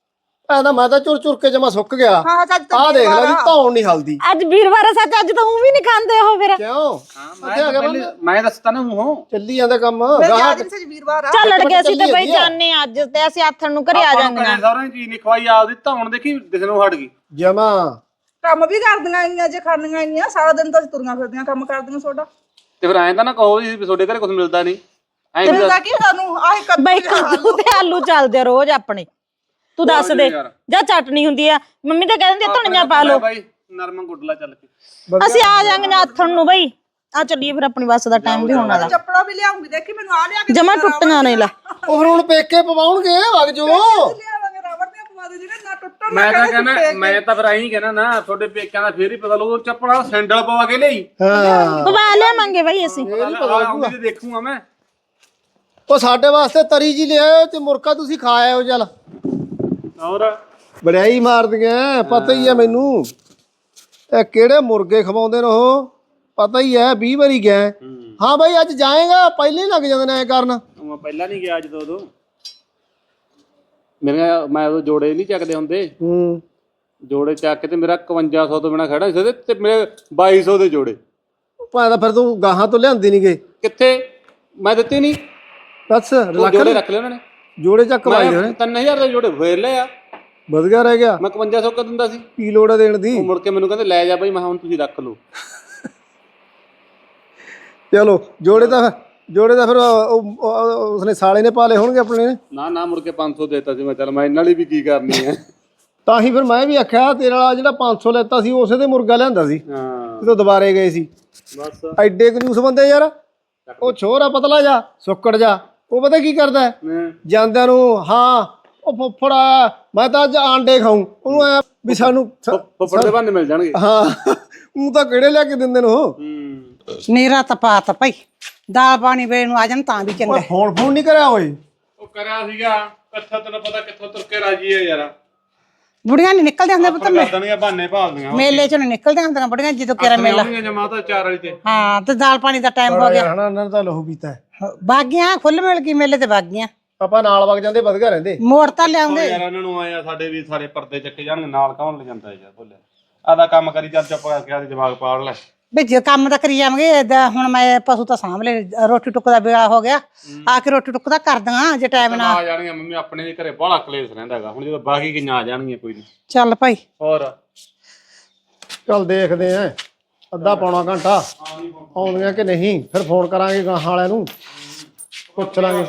ਐ ਤਾਂ ਮੈਂ ਤਾਂ ਚੁਰ ਚੁਰ ਕੇ ਜਮਾ ਸੁੱਕ ਗਿਆ। ਹਾਂ ਚੱਜ ਤਾਂ ਆਹ ਦੇਖ ਲੈ ਵੀ ਧੌਣ ਨਹੀਂ ਹਲਦੀ। ਅੱਜ ਵੀਰਵਾਰ ਆ ਸੱਚ, ਅੱਜ ਤਾਂ ਉਹ ਵੀ ਨਹੀਂ ਖਾਂਦੇ ਉਹ ਫਿਰ। ਕਿਉਂ? ਮੈਂ ਦੱਸਤਾ ਨਾ ਮੂੰਹੋਂ ਚੱਲੀ ਜਾਂਦਾ ਕੰਮ। ਸੱਚ ਵੀਰਵਾਰ ਆ। ਚੱਲ ਅੜ ਕੇ ਅਸੀਂ ਤਾਂ ਬਈ ਜਾਣੇ ਅੱਜ ਤੇ ਅਸੀਂ ਆਥਣ ਨੂੰ ਘਰੇ ਆ ਜਾਾਂਗੇ। ਸਾਰਿਆਂ ਚੀਜ਼ ਨਹੀਂ ਖਵਾਈ, ਆਪਦੀ ਧੌਣ ਦੇਖੀ ਦਿਸਣੋਂ ਹਟ ਗਈ ਜਮਾ। ਕੰਮ ਵੀ ਕਰਦੀਆਂ ਆਈਆਂ ਜੇ ਖਾਣੀਆਂ ਆਈਆਂ ਸਾਰਾ ਦਿਨ ਤਾਂ ਅਸੀਂ ਤੁਰੀਆਂ ਫਿਰਦੀਆਂ ਕੰਮ ਕਰਦੀਆਂ ਤੁਹਾਡਾ। ਤੇ ਫਿਰ ਐਂ ਤਾਂ ਨਾ ਕਹੋ ਜੀ ਤੁਹਾਡੇ ਘਰੇ ਕੁਝ ਮਿਲਦਾ ਨਹੀਂ। ਐਂ ਮਿਲਦਾ ਕੀ ਸਾਨੂੰ? ਆਹ ਕੱਦੂ ਬਈ ਕੱਦੂ ਤੇ ਆਲੂ ਚੱਲਦੇ ਰੋਜ਼ ਆਪਣੇ। ਤੂੰ ਦੱਸ ਦੇ ਜਾਂ ਚਟਨੀ ਹੁੰਦੀ ਆ ਮੰਮੀ ਤਾਂ ਕਹਿ ਦਿੰਦੀ ਧਨੀਆ ਪਾ ਲਓ। ਬਾਈ ਨਰਮਾ ਗੁੱਡਲਾ ਚੱਲ ਕੇ ਅਸੀਂ ਆ ਜਾਾਂਗੇ ਨਾ ਆਥਣ ਨੂੰ ਬਈ। ਆ ਚੱਲੀਏ ਫਿਰ, ਆਪਣੀ ਬੱਸ ਦਾ ਟਾਈਮ ਵੀ ਹੋਣ ਵਾਲਾ। ਚੱਪੜਾ ਵੀ ਲਿਆਉਂਗੀ, ਦੇਖੀ ਮੈਨੂੰ ਆ ਲਿਆ ਕੇ ਜਮਾ ਟੁੱਟੀਆਂ ਨੇ। ਲੈ ਉਹ ਹੁਣ ਪੇਕੇ ਪਵਾਉਣਗੇ ਵਗ ਜੋ। ਲਿਆਵਾਂਗੇ ਰਬੜ ਦੀਆਂ ਪਵਾ ਮੈਂ ਤਾਂ ਕਹਿੰਦਾ ਮੈਂ ਤਾਂ ਫਿਰ ਐਂ ਕਹਿਣਾ ਨਾ ਤੁਹਾਡੇ ਪੇਕਿਆਂ ਦਾ ਫੇਰ ਹੀ ਪਤਾ ਲੱਗੂ ਚੱਪਲਾਂ ਸੈਂਡਲ ਪਵਾ ਕੇ ਲਈ ਹਾਂ ਪਵਾ ਲਿਆਵਾਂਗੇ ਬਾਈ ਅਸੀਂ ਉਹਦੀ ਦੇਖੂਗਾ ਮੈਂ ਉਹ ਸਾਡੇ ਵਾਸਤੇ ਤਰੀ ਜੀ ਲਿਆਓ ਤੇ ਮੁਰਕਾ ਤੁਸੀਂ ਖਾ ਆਇਓ ਚੱਲ ਹੋਰ ਬੜਾਈ ਮਾਰਦੀਆਂ ਪਤਾ ਹੀ ਆ ਮੈਨੂੰ ਇਹ ਕਿਹੜੇ ਮੁਰਗੇ ਖਵਾਉਂਦੇ ਨੇ ਉਹ ਪਤਾ ਹੀ ਹੈ ਵੀਹ ਵਾਰੀ ਗਿਆ ਹਾਂ ਬਾਈ ਅੱਜ ਜਾਏਗਾ ਪਹਿਲੇ ਹੀ ਲੱਗ ਜਾਂਦੇ ਨੇ ਐ ਕਰਨ ਮੈਂ ਪਹਿਲਾਂ ਨਹੀਂ ਗਿਆ ਜਦੋਂ ਉਦੋਂ ਮੇਰੇ ਮੈਂ ਉਦੋਂ ਜੋੜੇ ਨਹੀਂ ਚੱਕਦੇ ਹੁੰਦੇ ਹੂੰ ਜੋੜੇ ਚੱਕ ਕੇ ਤੇ ਮੇਰਾ ਇਕਵੰਜਾ ਸੌ ਤੋਂ ਬਿਨਾ ਖੜਾ ਸੀ ਤੇ ਮੇਰੇ ਬਾਈ ਸੌ ਦੇ ਜੋੜੇ ਭਾਵੇਂ ਤਾਂ ਫਿਰ ਤੂੰ ਗਾਹਾਂ ਤੋਂ ਲਿਆਂਦੀ ਨਹੀਂ ਗਏ ਕਿੱਥੇ ਮੈਂ ਦਿੱਤੇ ਨਹੀਂ ਬਸ ਲੱਖ ਜੋੜੇ ਰੱਖ ਲਏ ਉਹਨਾਂ ਨੇ ਜੋੜੇ ਚੱਕ ਵਾਈ ਹੋਣੇ ਤਿੰਨ ਹਜ਼ਾਰ ਦੇ ਜੋੜੇ ਫੇਰ ਲਏ ਆ ਵਧੀਆ ਰਹਿ ਗਿਆ ਮੈਂ ਇਕਵੰਜਾ ਸੌ ਕਾ ਦਿੰਦਾ ਸੀ ਕੀ ਲੋੜ ਹੈ ਦੇਣ ਦੀ ਉਹ ਮੁੜ ਕੇ ਮੈਨੂੰ ਕਹਿੰਦੇ ਲੈ ਜਾ ਬਾਈ ਮੈਂ ਹੁਣ ਤੁਸੀਂ ਰੱਖ ਲਓ ਚਲੋ ਜੋੜੇ ਤਾਂ ਜੋੜੇ ਦਾ ਫਿਰ ਉਸਨੇ ਸਾਲੇ ਨੇ ਪਾਲੇ ਹੋਣਗੇ ਆਪਣੇ ਨੇ ਨਾ ਨਾ ਮੁੜ ਕੇ ਪੰਜ ਸੌ ਦੇਤਾ ਸੀ ਮੈਂ ਚੱਲ ਮੈਂ ਇਹਨਾਂ ਲਈ ਵੀ ਕੀ ਕਰਨੀ ਹੈ ਤਾਂ ਹੀ ਫਿਰ ਮੈਂ ਵੀ ਆਖਿਆ ਤੇਰੇ ਵਾਲਾ ਜਿਹੜਾ ਪੰਜ ਸੌ ਲੈਤਾ ਸੀ ਉਸੇ ਤੇ ਮੁਰਗਾ ਲਿਆਂਦਾ ਸੀ ਹਾਂ ਜਦੋਂ ਦੁਬਾਰੇ ਗਏ ਸੀ ਬਸ ਐਡੇ ਕੰਜੂਸ ਬੰਦੇ ਯਾਰ ਉਹ ਛੋਰਾ ਪਤਲਾ ਜਾ ਸੁੱਕੜ ਜਾ ਉਹ ਪਤਾ ਕੀ ਕਰਦਾ ਹਾਂ। ਜਾਂਦਿਆਂ ਨੂੰ ਹਾਂ ਉਹ ਫੁੱਫੜ ਆਇਆ ਮੈਂ ਤਾਂ ਅੱਜ ਆਂਡੇ ਖਾਊਂ ਉਹਨੂੰ ਐ ਵੀ ਸਾਨੂੰ ਫੁੱਫੜ ਦੇ ਬਹਾਨੇ ਮਿਲ ਜਾਣਗੇ ਹਾਂ ਉਹ ਤਾਂ ਕਿਹੜੇ ਲਿਆ ਕੇ ਦਿੰਦੇ ਨੇ ਉਹ ਹੂੰ ਨੀਰਾ ਤਪਾਤ ਭਾਈ ਦਾਲ ਪਾਣੀ ਵੇ ਨੂੰ ਆ ਜਾਣ ਤਾਂ ਵੀ ਚੰਗਾ ਫੋਨ ਫੋਨ ਨਹੀਂ ਕਰਿਆ ਓਏ ਉਹ ਕਰਿਆ ਸੀਗਾ ਕੱਥਾ ਤੈਨੂੰ ਪਤਾ ਕਿੱਥੋਂ ਤੁਰ ਕੇ ਰਾਜੀ ਹੈ ਯਾਰ ਬੁੜੀਆਂ ਨਹੀਂ ਨਿਕਲਦੇ ਹੁੰਦੇ ਪੁੱਤ ਮੇ- ਕਰਦਣੀਆਂ ਬਹਾਨੇ ਭਾਲਦੀਆਂ ਮੇਲੇ ਚੋਂ ਨੀ ਨਿਕਲਦੇ ਹੁੰਦੀਆਂ ਬੁੜੀਆਂ ਜਦੋਂ ਕਿਹੜਾ ਮੇਲਾ ਜਮਾਤਾ ਚਾਰ ਵਾਲੀ ਤੇ ਹਾਂ ਤੇ ਦਾਲ ਪਾਣੀ ਦਾ ਟਾਈਮ ਹੋ ਗਿਆ ਹਣਾ ਇਹਨਾਂ ਨੇ ਤਾਂ ਲਹੂ ਪੀਤਾ ਹੈ। ਬਾਗੀਆਂ ਫੁੱਲ ਮਿਲ ਗਈ ਮੇਲੇ ਤੇ ਬਾਗੀਆਂ ਆਪਾਂ ਨਾਲ ਵਗ ਜਾਂਦੇ ਵਧੀਆ ਰਹਿੰਦੇ ਮੋੜ ਤਾਂ ਲਿਆਉਂਦੇ ਯਾਰ ਇਹਨਾਂ ਨੂੰ ਆਇਆ ਸਾਡੇ ਵੀ ਸਾਰੇ ਪਰਦੇ ਚੱਕੇ ਜਾਣਗੇ ਨਾਲ ਕੌਣ ਲੈ ਜਾਂਦਾ ਯਾਰ ਬੋਲਿਆ ਆਦਾ ਕੰਮ ਕਰੀ ਚੱਲ ਚੁੱਪ ਕਰਕੇ ਆਦੇ ਦਿਮਾਗ ਪਾੜ ਲੈ ਵੀ ਜੇ ਕੰਮ ਤਾਂ ਕਰੀ ਜਾਵਾਂਗੇ ਏਦਾਂ ਹੁਣ ਮੈਂ ਪਸ਼ੂ ਤਾਂ ਸਾਂਭ ਲੈ ਰੋਟੀ ਟੁੱਕ ਦਾ ਵੇਲਾ ਹੋ ਗਿਆ ਆ ਕੇ ਰੋਟੀ ਟੁੱਕ ਦਾ ਕਰ ਦਾਂ ਜੇ ਟਾਈਮ ਨਾ ਆ ਜਾਣਗੀਆਂ ਮੰਮੀ ਆਪਣੇ ਦੇ ਘਰੇ ਬਾਹਲਾ ਕਲੇਸ਼ ਰਹਿੰਦਾ ਹੈਗਾ ਹੁਣ ਜਦੋਂ ਬਾਕੀ ਕਿੰਨਾ ਆ ਜਾਣਗੀਆਂ ਕੋਈ ਨਹੀਂ ਚੱਲ ਭਾਈ ਹੋਰ ਚੱਲ ਦੇਖਦੇ ਆਂ ਅੱਧਾ ਪੌਣਾ ਘੰਟਾ ਆਉਂਦੀਆਂ ਕਿ ਨਹੀਂ ਫਿਰ ਫੋਨ ਕਰਾਂਗੇ ਗਾਹਾਂ ਵਾਲਿਆਂ ਨੂੰ ਪੁੱਛ ਲਾਂਗੇ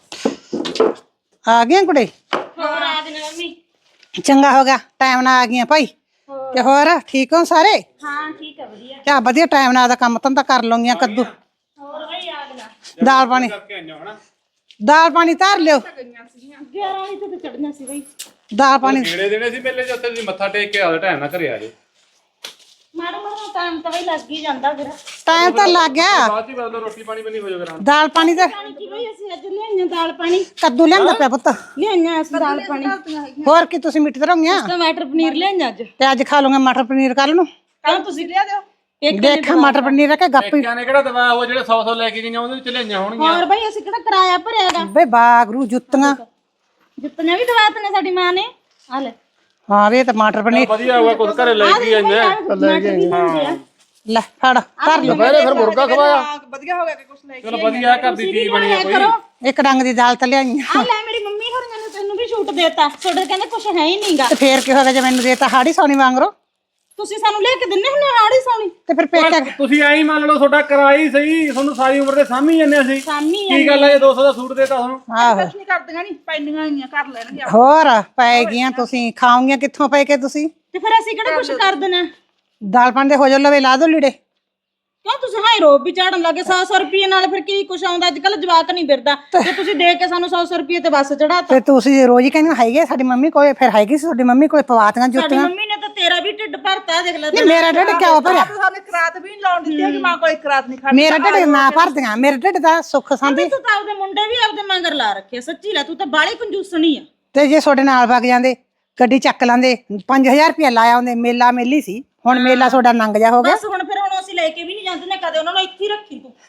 ਆ ਗਈਆਂ ਕੁੜੇ ਹੋਰ ਆ ਗਏ ਮੰਮੀ ਚੰਗਾ ਹੋ ਗਿਆ ਟਾਈਮ ਨਾਲ ਆ ਗਈਆਂ ਭਾਈ ਤੇ ਹੋਰ ਠੀਕ ਹੋ ਸਾਰੇ ਹਾਂ ਠੀਕ ਹੈ ਵਧੀਆ ਕਿਆ ਵਧੀਆ ਟਾਈਮ ਨਾਲ ਦਾ ਕੰਮ ਧੰਦਾ ਕਰ ਲਵਾਂਗੀਆਂ ਕੱਦੂ ਹੋਰ ਬਈ ਆ ਗਏ ਦਾਲ ਪਾਣੀ ਦਾਲ ਪਾਣੀ ਧਰ ਲਿਓ ਗਿਆਰਾਂ ਵਜੇ ਤੇ ਚੜਨਾ ਸੀ ਬਈ ਦਾਲ ਪਾਣੀ ਕਿਹੜੇ ਦਿਨੇ ਸੀ ਮੇਲੇ ਚ ਉੱਥੇ ਤੁਸੀਂ ਮੱਥਾ ਟੇਕ ਕੇ ਆਦੇ ਟਾਈਮ ਨਾਲ ਘਰੇ ਆ ਜੇ ਮਾੜਾ ਮਾੜਾ ਟਾਈਮ ਤਾਂ ਬਈ ਲੱਗ ਹੀ ਜਾਂਦਾ ਫਿਰ ਟਾਈਮ ਤਾਂ ਲੱਗ ਗਿਆ ਬਾਅਦ ਹੀ ਬਦਲੋ ਰੋਟੀ ਪਾਣੀ ਬਣੀ ਹੋ ਜਾਏਗਾ ਦਾਲ ਪਾਣੀ ਤੇ ਪਾਣੀ ਕੀ ਬਈ ਅਸੀਂ ਅੱਜ ਲਿਆਈਆਂ ਦਾਲ ਪਾਣੀ ਕੱਦੂ ਲਿਆਂਦਾ ਪਿਆ ਪੁੱਤ ਲਿਆਈਆਂ ਅਸੀਂ ਦਾਲ ਪਾਣੀ ਹੋਰ ਕੀ ਤੁਸੀਂ ਮਿੱਠ ਧਰੋਗੀਆਂ ਟਮਾਟਰ ਪਨੀਰ ਲਿਆਈਆਂ ਅੱਜ ਤੇ ਅੱਜ ਖਾ ਲਵਾਂਗੇ ਮਟਰ ਪਨੀਰ ਕੱਲ ਨੂੰ ਕੱਲ ਤੁਸੀਂ ਲਿਆ ਦਿਓ ਇੱਕ ਦੇਖ ਮਟਰ ਪਨੀਰ ਰੱਖੇ ਗੱਪੀ ਕਿਆ ਨੇ ਕਿਹੜਾ ਦਵਾ ਉਹ ਜਿਹੜੇ ਸੌ ਸੌ ਲੈ ਕੇ ਗਈਆਂ ਉਹਦੇ ਵਿੱਚ ਲਿਆਈਆਂ ਹੋਣਗੀਆਂ ਹੋਰ ਬਈ ਅਸੀਂ ਕਿਹੜਾ ਕਿਰਾਇਆ ਭਰਿਆਗਾ ਬੇ ਬਾਗਰੂ ਜੁੱਤੀਆਂ ਜਿੱਤਨੇ ਵੀ ਦਵਾਤ ਨੇ ਸਾਡੀ ਮਾਂ ਨੇ ਆ ਲੈ ਹਾਂ ਵੇ ਟਮਾਟਰ ਪਨੀਰ ਵਧੀਆ ਹੋਇਆ ਕੁਝ ਘਰੇ ਲੈ ਕੇ ਆਈਆਂ ਟਮਾਟਰ ਵੀ ਹੁੰਦੇ ਆ ਲੈ ਫੜ ਧਰ ਲਿਓ ਪਹਿਲੇ ਫਿਰ ਮੁਰਗਾ ਖਵਾਇਆ ਵਧੀਆ ਹੋ ਗਿਆ ਕਿ ਕੁਛ ਲੈ ਚਲੋ ਵਧੀਆ ਘਰ ਦੀ ਚੀਜ਼ ਬਣੀ ਆ ਕੋਈ ਇੱਕ ਡੰਗ ਦੀ ਦਾਲ ਤਾਂ ਲਿਆਈਆਂ ਆ ਲੈ ਮੇਰੀ ਮੰਮੀ ਹੋਰਾਂ ਨੇ ਤੈਨੂੰ ਵੀ ਛੂਟ ਦੇਤਾ ਤੁਹਾਡੇ ਕਹਿੰਦੇ ਕੁਝ ਹੈ ਹੀ ਨਹੀਂਗਾ ਤੇ ਫੇਰ ਕੀ ਹੋਗਾ ਜੇ ਮੈਨੂੰ ਦੇਤਾ ਹਾੜੀ ਸੋਣੀ ਵਾਂਗਰੋ ਤੁਸੀਂ ਸਾਨੂੰ ਲੈ ਕੇ ਦਿੰਨੇ ਹੁੰਦੇ ਹਾੜੀ ਸੌਣੀ ਤੇ ਫਿਰ ਪੇਕਾ ਤੁਸੀਂ ਐਂ ਮੰਨ ਲਓ ਤੁਹਾਡਾ ਕਿਰਾਇਆ ਸਹੀ ਤੁਹਾਨੂੰ ਸਾਰੀ ਉਮਰ ਦੇ ਸਾਂਭੀ ਜੰਨੇ ਅਸੀਂ ਸਾਮੀ ਕੀ ਗੱਲ ਹੈ ਜੇ ਦੋ ਸੌ ਦਾ ਸੂਟ ਦੇਤਾ ਤੁਹਾਨੂੰ ਆਹੋ ਨਹੀਂ ਕਰਦੀਆਂ ਨਹੀਂ ਪੈਂਦੀਆਂ ਆਈਆਂ ਕਰ ਲੈਣਗੀਆਂ ਹੋਰ ਪੈ ਗਈਆਂ ਤੁਸੀਂ ਖਾਓਗੀਆਂ ਕਿੱਥੋਂ ਪੈ ਕੇ ਤੁਸੀਂ ਤੇ ਫਿਰ ਅਸੀਂ ਕਿਹੜਾ ਕੁਝ ਕਰ ਦੇਣਾ ਦਾਲ ਪਾਣੀ ਦੇ ਹੋ ਜਾ ਲਵੇ ਲਾ ਦੋ ਲੀੜੇ ਕਿਉਂ ਤੁਸੀਂ ਹਾਈ ਰੋਬ ਵੀ ਚਾੜਨ ਲੱਗੇ ਸੌ ਸੌ ਰੁਪਏ ਨਾਲ ਫਿਰ ਕੀ ਕੁਛ ਆਉਂਦਾ ਅੱਜ ਕੱਲ ਜਵਾਕ ਨਹੀਂ ਫਿਰਦਾ ਤੇ ਤੁਸੀਂ ਦੇ ਕੇ ਸਾਨੂੰ ਸੌ ਸੌ ਰੁਪਏ ਤੇ ਬੱਸ ਚੜਾਤਾ ਤੇ ਤੁਸੀਂ ਰੋਜ਼ ਹੀ ਕਹਿੰਦੇ ਹੈਗੇ ਸਾਡੀ ਮੰਮੀ ਕੋਲੇ ਫਿਰ ਹੈਗੀ ਸੀ ਤੁਹਾਡੀ ਮੰਮੀ ਕੋਲੇ ਪਵਾਤੀਆਂ ਸਾਡੀ ਜੁੱਤੀਆਂ ਮੰਮੀ ਨੇ ਤਾਂ ਤੇਰਾ ਵੀ ਢਿੱਡ ਭਰਤਾ ਦੇਖ ਲੈ ਨਹੀਂ ਮੇਰਾ ਢਿੱਡ ਕਿਉਂ ਭਰਿਆ ਸਾਨੂੰ ਕਰਾਤ ਵੀ ਨਹੀਂ ਲਾਉਣ ਦਿੱਤੀ ਹੈਗੀ ਮਾਂ ਕੋਲ ਕਰਾਤ ਨਹੀਂ ਖਾਣੀ ਮੇਰਾ ਢਿੱਡ ਨਾ ਭਰਦੀਆਂ ਮੇਰੇ ਢਿੱਡ ਦਾ ਸੁੱਖ ਸੰਦੀ ਤੂੰ ਤਾਂ ਆਪਦੇ ਮੁੰਡੇ ਵੀ ਆਪਦੇ ਮਗਰ ਲਾ ਰੱਖੇ ਸੱਚੀ ਲੈ ਤੂੰ ਤਾਂ ਬਾਲੀ ਕੰਜੂਸਣੀ ਆ ਤੇ ਜੇ ਤੁਹਾਡੇ ਨਾਲ ਵਗ ਜਾਂਦੇ ਗੱਡੀ ਚੱਕ ਲਾਂਦੇ ਪੰਜ ਹਜ਼ਾਰ ਰੁਪਇਆ ਲਾਇਆ ਹੁੰਦੇ ਮੇਲਾ ਮੇਲੀ ਸੀ ਹੁਣ ਮੇਲਾ ਤੁਹਾਡਾ ਨੰਗ ਜਾ ਹੋ ਗਿਆ ਬਸ ਹੁਣ ਫਿਰ ਹੁਣ ਅਸੀਂ ਲੈ ਕੇ ਵੀ ਨਹੀਂ ਜਾਂਦੇ ਨੇ ਕਦੇ ਉਹਨਾਂ ਨੂੰ ਇੱਥੇ ਹੀ ਰੱਖੀ ਤੂੰ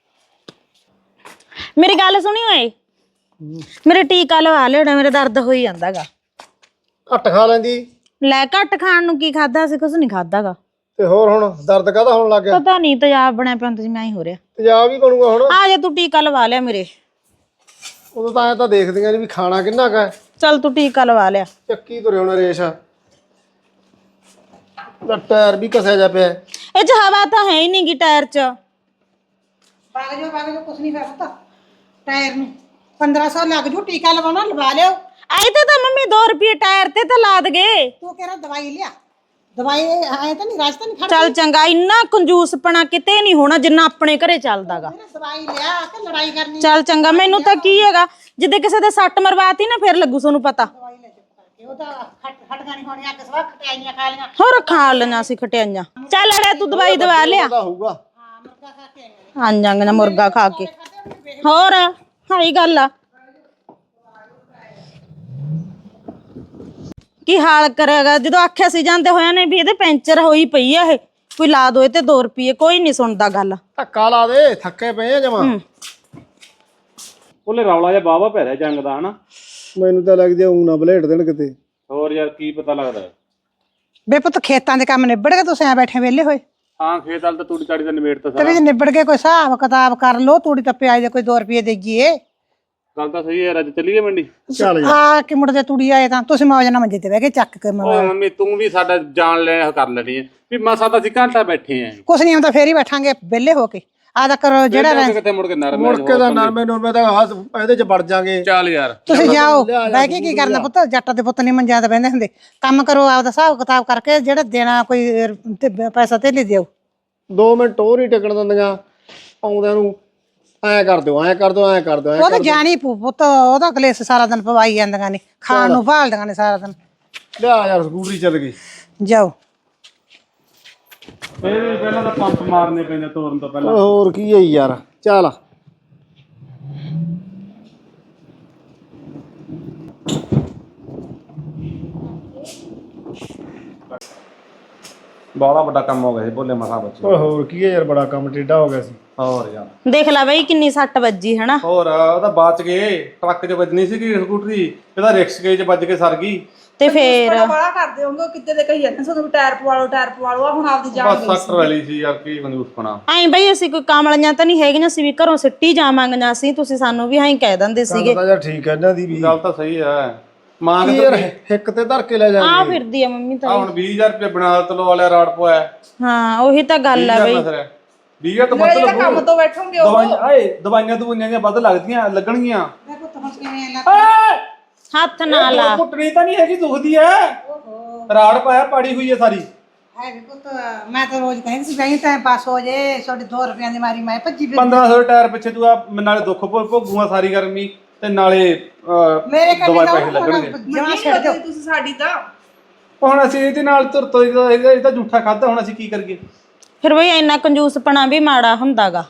ਮੇਰੀ ਗੱਲ ਸੁਣੀ ਓਏ ਮੇਰੇ ਟੀਕਾ ਲਵਾ ਲਿਓ ਮੇਰੇ ਦਰਦ ਹੋਈ ਜਾਂਦਾਗਾ ਘੱਟ ਖਾ ਲੈਂਦੀ ਲੈ ਘੱਟ ਖਾਣ ਨੂੰ ਕੀ ਖਾਦਾ ਸੀ ਕੁਝ ਨਹੀਂ ਖਾਦਾਗਾ ਤੇ ਹੋਰ ਹੁਣ ਦਰਦ ਕਾਹਦਾ ਹੋਣ ਲੱਗ ਗਿਆ ਪਤਾ ਨਹੀਂ ਤੇਜ਼ਾਬ ਬਣਿਆ ਪਿਆ ਤੁਸੀਂ ਮੈਂ ਹੀ ਹੋ ਰਿਹਾ ਤੇਜ਼ਾਬ ਹੀ ਬਣੂਗਾ ਹੁਣ ਆ ਜਾ ਤੂੰ ਟੀਕਾ ਲਵਾ ਲਿਆ ਮੇਰੇ ਉਦੋਂ ਤਾਂ ਐ ਤਾਂ ਦੇਖਦੀਆਂ ਨੀ ਵੀ ਖਾਣਾ ਕਿੰਨਾ ਕਾ ਚੱਲ ਤੂੰ ਟੀਕਾ ਲਵਾ ਲਿਆ ਚੱਕੀ ਤੁਰੇ ਹੁਣ ਰੇਸ਼ ਦਾ ਟਾਇਰ ਵੀ ਕਸਿਆ ਜਾ ਪਿਆ ਇਹ ਚ ਹਵਾ ਤਾਂ ਹੈ ਹੀ ਨਹੀਂ ਗੀ ਟਾਇਰ ਚ ਵਗ ਜਾਓ ਵਗ ਜਾਓ ਕੁਛ ਨਹੀਂ ਫਿਰ ਪੁੱਤ ਟਾਇਰ ਨੂੰ ਪੰਦਰਾਂ ਸੌ ਲੱਗ ਜੂ ਟੀਕਾ ਲਵਾਉਣਾ ਲਵਾ ਲਿਓ ਆਈ ਤੇ ਤਾਂ ਮੰਮੀ ਦੋ ਰੁਪਏ ਟਾਇਰ ਤੇ ਤਾਂ ਲਾ ਦਗੇ ਤੂੰ ਕਿਹੜਾ ਦਵਾਈ ਲਿਆ ਦਵਾਈ ਐ ਤਾਂ ਨਹੀਂ ਰਾਜ ਤਾਂ ਨਹੀਂ ਖੜ ਚੱਲ ਚੰਗਾ ਇੰਨਾ ਕੰਜੂਸਪਣਾ ਕਿਤੇ ਨਹੀਂ ਹੋਣਾ ਜਿੰਨਾ ਆਪਣੇ ਘਰੇ ਚੱਲਦਾਗਾ ਦਵਾਈ ਲਿਆ ਕਿ ਲੜਾਈ ਕਰਨੀ ਚੱਲ ਚੰਗਾ ਮੈਨੂੰ ਤਾਂ ਕੀ ਹੈਗਾ ਜਿੱਦੇ ਕਿਸੇ ਦੇ ਸੱਟ ਮਰਵਾਤੀ ਨਾ ਫਿਰ ਲੱਗੂ ਤੁਹਾਨੂੰ ਪਤਾ ਉਹ ਤਾਂ ਹਟ ਹਟ ਗਾਣੀ ਹੋਣੀ ਅੱਗ ਸਵਾ ਖਟਾਈਆਂ ਖਾ ਲੀਆਂ। ਹੋਰ ਖਾ ਲੈਣਾ ਸੀ ਖਟਿਆਈਆਂ। ਚੱਲ ਅੜਿਆ ਤੂੰ ਦਵਾਈ ਦਵਾ ਲਿਆ। ਪਤਾ ਹੋਊਗਾ। ਹਾਂ ਮੁਰਗਾ ਖਾ ਕੇ ਆਈਆਂ। ਹਾਂ ਜਾਂਗ ਨਾ ਮੁਰਗਾ ਖਾ ਕੇ ਹੋਰ ਹਾਈ ਗੱਲ ਆ। ਕੀ ਹਾਲ ਕਰੇਗਾ ਜਦੋਂ ਆਖਿਆ ਸੀ ਜਾਂਦੇ ਹੋਇਆ ਨੇ ਵੀ ਇਹਦੇ ਪੈਂਚਰ ਹੋਈ ਪਈ ਆ ਇਹ ਕੋਈ ਲਾ ਦੋ ਇਹ ਤੇ ਦੋ ਰੁਪਏ ਕੋਈ ਨਹੀਂ ਸੁਣਦਾ ਗੱਲ। ਧੱਕਾ ਲਾ ਦੇ ਥੱਕੇ ਪਏ ਆ ਜਮਾ। ਉਹਲੇ ਰੌਲਾ ਜਿਹਾ ਬਾਵਾ ਪੈ ਰਿਹਾ ਜੰਗ ਦਾ ਹਨਾ। ਮੈਨੂੰ ਤਾਂ ਲੱਗਦਾ ਊਂ ਨਾ ਬਲੇਟ ਦੇਣ ਕਿਤੇ। ਹੋਰ ਯਾਰ ਕੀ ਪਤਾ ਲੱਗਦਾ। ਬੇ ਪੁੱਤ ਖੇਤਾਂ ਦੇ ਕੰਮ ਨਿਬੜ ਗਏ ਤੁਸੀਂ ਐ ਬੈਠੇ ਵਿਹਲੇ ਹੋਏ? ਹਾਂ ਖੇਤ ਵਾਲ ਤਾਂ ਤੂੜੀ ਤਾੜੀ ਦਾ ਨਿਬੇੜ ਤਾਂ ਤੇ ਸਾਰਾ। ਵੀ ਨਿਬੜ ਕੇ ਕੋਈ ਹਿਸਾਬ ਕਿਤਾਬ ਕਰ ਲੋ। ਤੂੜੀ ਤਾਂ ਪਿਆਜ ਦੇ ਕੋਈ ਦੋ ਰੁਪਏ ਦੇਈਏ। ਗੱਲ ਤਾਂ ਸਹੀ ਹੈ। ਅੱਜ ਚੱਲੀਏ ਮੰਡੀ। ਚੱਲ ਜਾ। ਆ ਕਿ ਮੁੜਦੇ ਤੂੜੀ ਆਏ ਤਾਂ ਤੁਸੀਂ ਮੌਜ ਨਾਲ ਮੰਜੇ ਤੇ ਬਹਿ ਕੇ ਚੱਕ ਕੇ ਓਏ ਮੰਮੀ ਤੂੰ ਵੀ ਸਾਡਾ ਜਾਣ ਲੈ ਕਰ ਲੈਣੀ ਹੈ ਵੀ ਮਸਾ ਤਾਂ ਅਸੀਂ ਘੰਟਾ ਬੈਠੇ ਆਂ। ਕੁਛ ਨਹੀਂ ਹੁੰਦਾ ਫੇਰ ਹੀ ਬੈਠਾਂਗੇ ਵਿਹਲੇ ਹੋ ਕੇ। ਆ ਤਾਂ ਕਰੋ ਜਿਹੜਾ ਕਿਤੇ ਮੁੜ ਕੇ ਨਰਮ ਮੁੜ ਕੇ ਦਾ ਨਰਮੇ ਨਰਮੇ ਦਾ ਹੱਥ ਇਹਦੇ ਚ ਵੜ ਜਾਗੇ। ਚੱਲ ਯਾਰ ਤੁਸੀਂ ਜਾਓ ਬਹਿ ਕੇ ਕੀ ਕਰਨਾ ਪੁੱਤ। ਜੱਟ ਦੇ ਪੁੱਤ ਨਹੀਂ ਮੰਜਿਆਂ ਤੇ ਬਹਿੰਦੇ ਹੁੰਦੇ। ਕੰਮ ਕਰੋ ਆਪਦਾ ਹਿਸਾਬ ਕਿਤਾਬ ਕਰਕੇ ਜਿਹੜਾ ਦੇਣਾ ਕੋਈ ਤੇ ਪੈਸਾ ਤੇ ਲੈ ਦਿਓ। ਦੋ ਮਿੰਟ ਹੋਰ ਹੀ ਟਿਕਣ ਦਿੰਦੀਆਂ ਆਉਂਦਿਆਂ ਨੂੰ ਐਂ ਕਰ ਦਿਓ ਐਂ ਕਰ ਦਿਓ ਐਂ ਕਰ ਦਿਓ। ਉਹ ਤਾਂ ਜਾਣੀ ਪੂ ਪੁੱਤ ਉਹਦਾ ਕਲੇਸ਼ ਸਾਰਾ ਦਿਨ ਪਵਾਈ ਜਾਂਦੀਆਂ ਨੇ ਖਾਣ ਨੂੰ ਭਾਲਦੀਆਂ ਨੇ ਸਾਰਾ ਦਿਨ। ਲਿਆ ਯਾਰ ਸਕੂਟਰੀ ਚੱਲ ਗਈ। ਜਾਓ ਫੇਰ ਵੀ ਪਹਿਲਾਂ ਤਾਂ ਪੰਪ ਮਾਰਨੇ ਪੈਂਦੇ ਤੋਰਨ ਤੋਂ ਪਹਿਲਾਂ। ਹੋਰ ਕੀ ਹੈ ਯਾਰ ਚੱਲ। ਬਹੁਤ ਵੱਡਾ ਕੰਮ ਹੋ ਗਿਆ ਸੀ ਭੋਲੇ ਮਸਾ ਬੱਚੇ। ਓਏ ਹੋਰ ਕੀ ਹੈ ਯਾਰ ਬੜਾ ਕੰਮ ਟੇਢਾ ਹੋ ਗਿਆ ਸੀ। ਹੋਰ ਯਾਰ ਦੇਖ ਲੈ ਬਈ ਕਿੰਨੀ ਸੱਟ ਵੱਜੀ ਹਨਾ। ਹੋਰ ਉਹ ਤਾਂ ਬਚ ਗਏ। ਟਰੱਕ 'ਚ ਵੱਜਣੀ ਸੀਗੀ ਸਕੂਟਰੀ ਇਹਦਾ ਰਿਕਸ਼ੇ 'ਚ ਵੱਜ ਕੇ ਸਰ ਗਈ। ਤੇ ਫੇਰ ਬੜਾ ਕਰਦੇ ਹੋਗੇ ਕਿਤੇ ਦੇ ਕਹੀ ਜਾਂਦੇ ਸਾਨੂੰ ਟਾਇਰ ਪਵਾ ਲਓ ਟਾਇਰ ਪਵਾ ਲਓ। ਹੁਣ ਆਪਦੀ ਜਾਨ ਬਸ ਸੱਟ ਰਲੀ ਸੀ ਯਾਰ ਕੀ ਕੰਜੂਸ ਬਣਾ। ਐਂ ਬਈ ਅਸੀਂ ਕੋਈ ਕਾਮਲੀਆਂ ਤਾਂ ਨਹੀਂ ਹੈਗੀਆਂ ਸੀ ਵੀ ਘਰੋਂ ਸਿੱਟੀ ਜਾਵਾਂਗੀਆਂ ਸੀ। ਤੁਸੀਂ ਸਾਨੂੰ ਵੀ ਐਂ ਕਹਿ ਦਿੰਦੇ ਸੀਗੇ। ਤਾਂ ਯਾਰ ਠੀਕ ਹੈ ਇਹਨਾਂ ਦੀ ਵੀ। ਗੱਲ ਤਾਂ ਸਹੀ ਹੈ। ਮਾਂ ਕੀ ਯਾਰ ਹਿੱਕ ਤੇ ਧਰ ਕੇ ਲੈ ਆ ਜਾਣਗੇ। ਫਿਰਦੀ ਆ ਮੰਮੀ ਤਾਂ। ਆ ਹੁਣ ਵੀਹ ਹਜ਼ਾਰ ਰੁਪਏ ਬਣਾ ਤਲੋ ਵਾਲਿਆ ਰਾੜ ਪਵਾਇਆ। ਹਾਂ ਉਹੀ ਤਾਂ ਗੱਲ ਆ ਬਈ। ਵੀਹ ਹਜ਼ਾਰ ਤੋਂ ਵੱਧ ਜਿਹੜਾ ਕੰਮ ਲੱਗੂ। ਤੋਂ ਬੈਠੋਗੇ ਉਹ ਦਵਾਈਆਂ ਆਏ ਦਵਾਈਆਂ ਦਵਾਈਆਂ ਜਿਹੀਆਂ ਵੱਧ ਲੱਗਦੀਆਂ ਲੱਗਣਗੀਆਂ। ਹੱਥ ਨਾ ਲਾ। ਕੁੱਟਣੀ ਤਾਂ ਨਹੀਂ ਹੈਗੀ ਦੁਖਦੀ ਐ। ਰਾੜ ਪਾਇਆ ਪਾੜੀ ਹੋਈ ਐ ਸਾਰੀ। ਹੈ ਵੀ ਪੁੱਤ ਮੈਂ ਤਾਂ ਰੋਜ਼ ਕਹਿੰਦੀ ਸੀ ਬਈ ਟਾਈਮ ਪਾਸ ਹੋ ਜੇ ਤੁਹਾਡੇ ਦੋ ਰੁਪਈਆਂ ਦੀ ਮਾਰੀ ਮੈਂ ਭੱਜੀ ਫਿਰ ਪੰਦਰਾਂ ਸੌ ਟਾਇਰ ਪਿੱਛੇ ਤੂੰ ਆ ਨਾਲੇ ਦੁੱਖ ਭੋ- ਭੋਗੂਆਂ ਸਾਰੀ ਗਰਮੀ ਤੇ ਨਾਲੇ ਅਹ, ਮੇਰੇ ਕੰਨੇ ਦਵਾਈ ਦਾ ਪੈਸੇ ਲੱਗਣਗੇ। ਜਮਾ ਛੱਡ ਦਿਓ। ਤੁਸੀਂ ਸਾਡੀ ਤਾਂ ਹੁਣ ਅਸੀਂ ਇਹਦੇ ਨਾਲ ਤੁਰ ਤੋਂ ਇਹਦਾ ਇਹਦਾ ਝੂਠਾ ਖਾਦਾ ਹੁਣ ਅਸੀਂ ਕੀ ਕਰੀਏ। ਫਿਰ ਬਈ ਇੰਨਾ ਕੰਜੂਸਪਣਾ ਵੀ ਮਾੜਾ ਹੁੰਦਾਗਾ।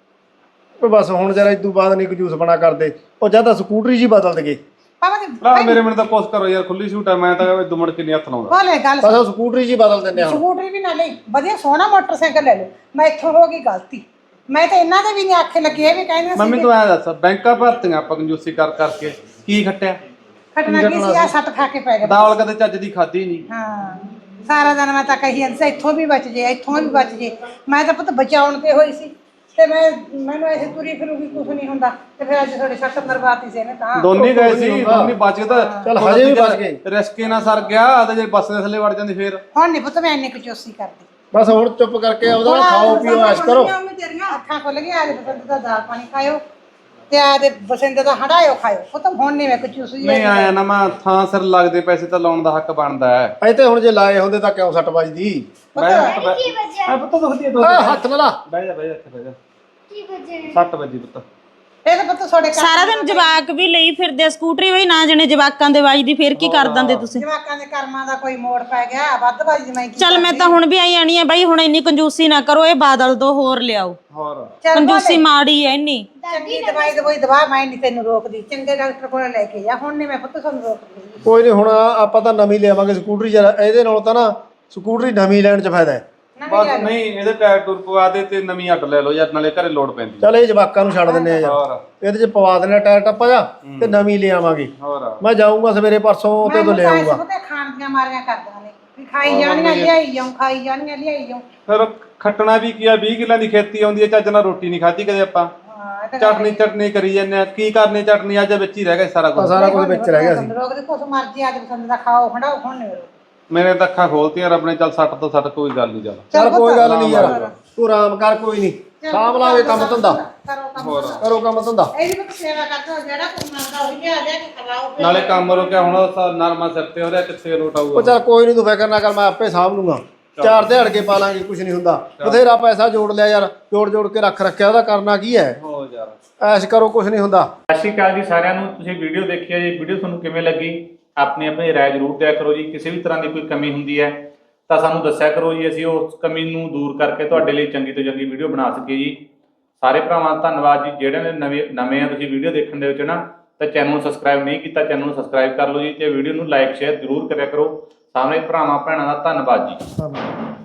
ਓਏ ਬਸ ਹੁਣ ਜਰਾ ਇਦੋਂ ਬਾਅਦ ਨਹੀਂ ਕੰਜੂਸ ਬਣਾ ਕਰਦੇ। ਉਹ ਜਦ ਤਾਂ ਸਕੂਟਰੀ ਜੀ ਬਦਲ ਦਗੇ। ਪਾਪਾ ਜੀ ਲਾ ਮੇਰੇ ਮੈਨੂੰ ਤਾਂ ਕੋਸ ਕਰੋ ਯਾਰ ਖੁੱਲੀ ਛੂਟ ਆ। ਮੈਂ ਤਾਂ ਦੁਮੜ ਕੇ ਨਹੀਂ ਹੱਥ ਲਾਉਂਦਾ। ਬੋਲੇ ਗੱਲ ਬਸ ਉਹ ਸਕੂਟਰੀ ਜੀ ਬਦਲ ਦਿੰਦੇ ਹੁਣ। ਸਕੂਟਰੀ ਵੀ ਨਾ ਲਈ ਵਧੀਆ ਸੋਹਣਾ ਮੋਟਰਸਾਈਕਲ ਲੈ ਲਓ। ਮੈਂ ਇੱਥੋਂ ਹੋ ਗਈ ਗਲਤੀ। ਮੈਂ ਤਾਂ ਇਹਨਾਂ ਦੇ ਵੀ ਨਹੀਂ ਆਖੇ ਲੱਗੇ ਇਹ ਵੀ ਕਹਿੰਦੇ ਸੀ ਮੰਮੀ ਤੂੰ ਐਂ ਦੱਸ ਬੈਂਕਾਂ ਭਰਤੀਆਂ ਆਪਾਂ ਕੰਜੂਸੀ ਕਰ ਕਰਕੇ ਕੀ ਖੱਟਿਆ। ਖਟਣਾ ਕੀ ਸੀ ਆ ਸੱਟ ਖਾ ਕੇ ਪੈ ਗਏ। ਦਾਲ ਕਦੇ ਚੱਜ ਦੀ ਖਾਧੀ ਨਹੀਂ। ਹਾਂ ਸਾਰਾ ਦਿਨ ਮੈਂ ਤਾਂ ਕਹੀ ਜਾਂਦੀ ਸੀ ਇੱਥੋਂ ਵੀ ਬਚ ਜੇ ਇੱਥੋਂ ਵੀ ਬਚ ਜੇ। ਮੈਂ ਤਾਂ ਪੁੱਤ ਬਚਾਉਣ ਤੇ ਹੋਈ ਸੀ ਤੇ ਮੈਂ ਮੈਨੂੰ ਐਸੇ ਤੁਰੀ ਫਿਰੂਗੀ ਕੁਝ ਨਹੀਂ ਹੁੰਦਾ ਤੇ ਫਿਰ ਅੱਜ ਤੁਹਾਡੇ ਸੱਟ ਮਰਵਾਤੀ ਸੀ ਇਹਨੇ ਤਾਂ। ਦੋਨੇ ਗਏ ਸੀ ਦੋਨੇ ਬਚ ਗਏ ਤਾਂ ਚੱਲ ਹਜੇ ਵੀ ਬਚ ਗਏ। ਰਿਸਕੇ ਨਾਲ ਸਰ ਗਿਆ ਤੇ ਜੇ ਬੱਸ ਦੇ ਥੱਲੇ ਵੜ ਜਾਂਦੀ ਫੇਰ। ਹੁਣ ਨਹੀਂ ਪੁੱਤ ਮੈਂ ਇੰਨੀ ਕਚੋਸੀ ਕਰਦੀ। ਬਸ ਹੁਣ ਚੁੱਪ ਕਰਕੇ ਆਪਦਾ ਖਾਓ ਪੀਓ ਐਸ਼ ਕਰੋ। ਅੱਖਾਂ ਖੁੱਲ ਗਈਆਂ ਆਦੇ ਬਸੰਤ ਦਾ ਦਾਲ ਪਾਣੀ ਖਾਇਓ ਤੇ ਆਦੇ ਬਸੰਤ ਦਾ ਹੰਡਾਇਓ ਖਾਇਓ। ਪੁੱਤ ਹੁਣ ਨਹੀਂ ਮੈਂ ਕਚੋਸੀ ਨਹੀਂ ਆਇਆ ਨਾ ਮੈਂ ਥਾਂ ਸਿਰ ਲੱਗਦੇ ਪੈਸੇ ਤਾਂ ਲਾਉਣ ਦਾ ਹੱਕ ਬਣਦਾ ਹੈ। ਅਜੇ ਤੇ ਹੁਣ ਜੇ ਲਾਏ ਹੁੰਦੇ ਤਾਂ ਕਿਉਂ ਸੱਟ ਵੱਜਦੀ। ਬਹਿ ਜਾ ਪੁੱਤ, ਬਹਿ- ਆ ਪੁੱਤ ਦੁਖਦੀ ਹੈ ਦੁਖਦੀ ਆ ਹੈ। ਹੱਥ ਨਾ ਲਾ। ਬਹਿ ਜਾ ਬਹਿ ਜਾ ਇੱਥੇ ਬਹਿ ਜਾ। ਕੀ ਵਜੇ ਸੱਟ ਵੱਜੀ ਪੁੱਤ। ਇਹ ਤਾਂ ਪੁੱਤ ਤੁਹਾਡੇ ਘਰ ਸਾਰਾ ਦਿਨ ਜਵਾਕ ਵੀ ਲਈ ਫਿਰਦੇ ਆ ਸਕੂਟਰੀ ਬਈ ਨਾ ਜਣੇ ਜਵਾਕਾਂ ਦੇ ਵੱਜਦੀ ਫਿਰ ਕੀ ਕਰ ਦਿੰਦੇ ਤੁਸੀਂ। ਜਵਾਕਾਂ ਦੇ ਕਰਮਾਂ ਦਾ ਕੋਈ ਮੋੜ ਪੈ ਗਿਆ ਵੱਧ ਬਾਜੀ ਮੈਂ ਕੀ ਚੱਲ ਮੈਂ ਤਾਂ ਹੁਣ ਵੀ ਆਈ ਆਣੀ ਆ ਬਈ ਹੁਣ ਇੰਨੀ ਕੰਜੂਸੀ ਨਾ ਕਰੋ। ਇਹ ਬਾਦਲ ਦੋ ਹੋਰ ਲਿਆਓ। ਹੋਰ ਚੱਲ ਕੰਜੂਸੀ ਮਾੜੀ ਐ ਇੰਨੀ। ਚੰਗੀ ਦਵਾਈ ਦਵਾਈ ਦਵਾ ਮੈਂ ਨਹੀਂ ਤੈਨੂੰ ਰੋਕਦੀ। ਚੰਗੇ ਡਾਕਟਰ ਕੋਲ ਲੈ ਕੇ ਜਾ। ਹੁਣ ਨਹੀਂ ਮੈਂ ਪੁੱਤ ਤੁਹਾਨੂੰ ਰੋਕਦੀ। ਕੋਈ ਨਹੀਂ ਹੁਣ ਆਪਾਂ ਤਾਂ ਨਵੀਂ ਲਿਆਵਾਂਗੇ ਸਕੂਟਰੀ। ਜਰਾ ਇਹਦੇ ਨਾਲੋਂ ਤਾਂ ਨਾ ਸਕੂਟਰੀ ਨਵੀਂ ਲੈਣ ਚ ਫਾਇਦਾ ਹੈ। ਬਸ ਨਹੀਂ ਇਹਦੇ ਟਾਇਰ ਟੂਰ ਪਵਾ ਦੇ ਤੇ ਨਵੀਂ ਅੱਡ ਲੈ ਲਓ ਯਾਰ ਨਾਲੇ ਘਰੇ ਲੋਡ ਪੈਂਦੀ। ਚੱਲ ਇਹ ਜਵਾਕਾਂ ਨੂੰ ਛੱਡ ਦਿੰਦੇ ਆ ਯਾਰ। ਹੋਰ ਇਹਦੇ ਚ ਪਵਾ ਦੇਣਾ ਟਾਇਰ ਟੱਪਾ ਜਾ ਤੇ ਨਵੀਂ ਲੈ ਆਵਾਂਗੇ। ਹੋਰ ਮੈਂ ਜਾਊਂਗਾ ਸਵੇਰੇ ਪਰਸੋਂ ਤੇ ਤੋਂ ਲੈ ਆਊਂਗਾ। ਪੁੱਤੇ ਖਾਣ ਦੀਆਂ ਮਾਰੀਆਂ ਕਰਦੀਆਂ ਨੇ ਵੀ ਖਾਈ ਜਾਣੀਆਂ ਲਿਆਈ ਜਾਉਂ ਖਾਈ ਜਾਣੀਆਂ ਲਿਆਈ ਜਾਉਂ। ਫਿਰ ਖੱਟਣਾ ਵੀ ਕੀ ਆ ਵੀਹ ਕਿੱਲਾਂ ਦੀ ਖੇਤੀ ਆਉਂਦੀ ਹੈ ਚੱਜ ਨਾਲ ਰੋਟੀ ਨਹੀਂ ਖਾਧੀ ਕਦੇ ਆਪਾਂ। ਹਾਂ ਇਹ ਤਾਂ ਚਟਨੀ ਚਟਨੀ ਕਰੀ ਜਾਂਦੇ ਆ ਕੀ ਕਰਨੀ ਚਟਨੀ ਅੱਜ ਵਿੱਚ ਹੀ ਰਹਿ ਗਿਆ ਸਾਰਾ ਕੁਝ। ਸਾਰਾ ਕੁਝ ਵਿੱਚ ਰਹਿ ਗਿਆ ਸੀ। ਰੋਕਦੇ ਕੁਛ ਮਰਜੀ ਅੱਜ ਪਸੰਦ ਦਾ ਖਾਓ ਹੰਡਾਓ ਹੁਣ ਨਹੀਂ ਰੋਕ। ਮੇਰੇ ਤਾਂ ਅੱਖਾਂ ਖੋਲਤੀਆਂ ਰੱਬ ਨੇ। ਚੱਲ ਸੱਟ ਤੋਂ ਸੱਟ ਕੋਈ ਗੱਲ ਨਹੀਂ ਚੱਲ। ਚੱਲ ਕੋਈ ਗੱਲ ਨਹੀਂ ਯਾਰ ਤੂੰ ਆਰਾਮ ਕਰ ਕੋਈ ਨਹੀਂ। ਸਾਂਭ ਲਾਂਗੇ ਕੰਮ ਧੰਦਾ। ਕਰੋ ਕੰਮ ਕਰੋ ਕੰਮ ਧੰਦਾ। ਇਹ ਵੀ ਪੁੱਤ ਸੇਵਾ ਕਰਦਾ ਜਿਹੜਾ ਕੁਛ ਮੰਗਦਾ ਉਹੀ ਲਿਆ ਲਿਆ ਕੇ ਖਵਾਓ। ਨਾਲੇ ਕੰਮ ਰੋਕਿਆ ਹੁਣ ਉਹ ਨਰਮਾ ਸਿਰ ਤੇ ਹੋ ਰਿਹਾ ਕਿੱਥੇ ਲੋਟ ਉਹ ਆਊਗਾ। ਚੱਲ ਕੋਈ ਨਹੀਂ ਤੂੰ ਫਿਕਰ ਨਾ ਕਰ ਮੈਂ ਆਪੇ ਸਾਂਭ ਲੂੰਗਾ। ਚਾਰ ਦਿਹਾੜ ਕੇ ਪਾ ਲਾਂਗੇ ਕੁਝ ਨਹੀਂ ਹੁੰਦਾ। ਬਥੇਰਾ ਪੈਸਾ ਜੋੜ ਲਿਆ ਯਾਰ ਜੋੜ ਜੋੜ ਕੇ ਰੱਖ ਰੱਖਿਆ ਉਹਦਾ ਕਰਨਾ ਕੀ ਹੈ। ਹੋ ਯਾਰ ਐਸ਼ ਕਰੋ ਕੁਝ ਨਹੀਂ ਹੁੰਦਾ। ਸਤਿ ਸ਼੍ਰੀ ਅਕਾਲ ਜੀ ਸਾਰਿਆਂ ਨੂੰ। ਤੁਸੀਂ ਵੀਡੀਓ ਦੇਖੀ ਹੈ ਜੀ। ਵੀਡੀਓ ਤੁਹਾਨੂੰ ਕਿਵੇਂ ਲੱਗੀ ਆਪਣੀ ਆਪਣੀ ਰਾਏ ਜ਼ਰੂਰ ਦਿਆ ਕਰੋ ਜੀ। ਕਿਸੇ ਵੀ ਤਰ੍ਹਾਂ ਦੀ ਕੋਈ ਕਮੀ ਹੁੰਦੀ ਹੈ ਤਾਂ ਸਾਨੂੰ ਦੱਸਿਆ ਕਰੋ ਜੀ, ਅਸੀਂ ਉਸ ਕਮੀ ਨੂੰ ਦੂਰ ਕਰਕੇ ਤੁਹਾਡੇ ਲਈ ਚੰਗੀ ਤੋਂ ਚੰਗੀ ਵੀਡੀਓ ਬਣਾ ਸਕੀਏ ਜੀ। ਸਾਰੇ ਭਰਾਵਾਂ ਦਾ ਧੰਨਵਾਦ ਜੀ। ਜਿਹੜੇ ਨੇ ਨਵੇਂ ਨਵੇਂ ਆ ਤੁਸੀਂ ਵੀਡੀਓ ਦੇਖਣ ਦੇ ਵਿੱਚ ਨਾ, ਤਾਂ ਚੈਨਲ ਨੂੰ ਸਬਸਕ੍ਰਾਈਬ ਨਹੀਂ ਕੀਤਾ, ਚੈਨਲ ਨੂੰ ਸਬਸਕ੍ਰਾਈਬ ਕਰ ਲਓ ਜੀ, ਤੇ ਵੀਡੀਓ ਨੂੰ ਲਾਈਕ ਸ਼ੇਅਰ ਜ਼ਰੂਰ ਕਰਿਆ ਕਰੋ। ਸਾਰੇ ਭਰਾਵਾਂ ਭੈਣਾਂ ਦਾ ਧੰਨਵਾਦ ਜੀ।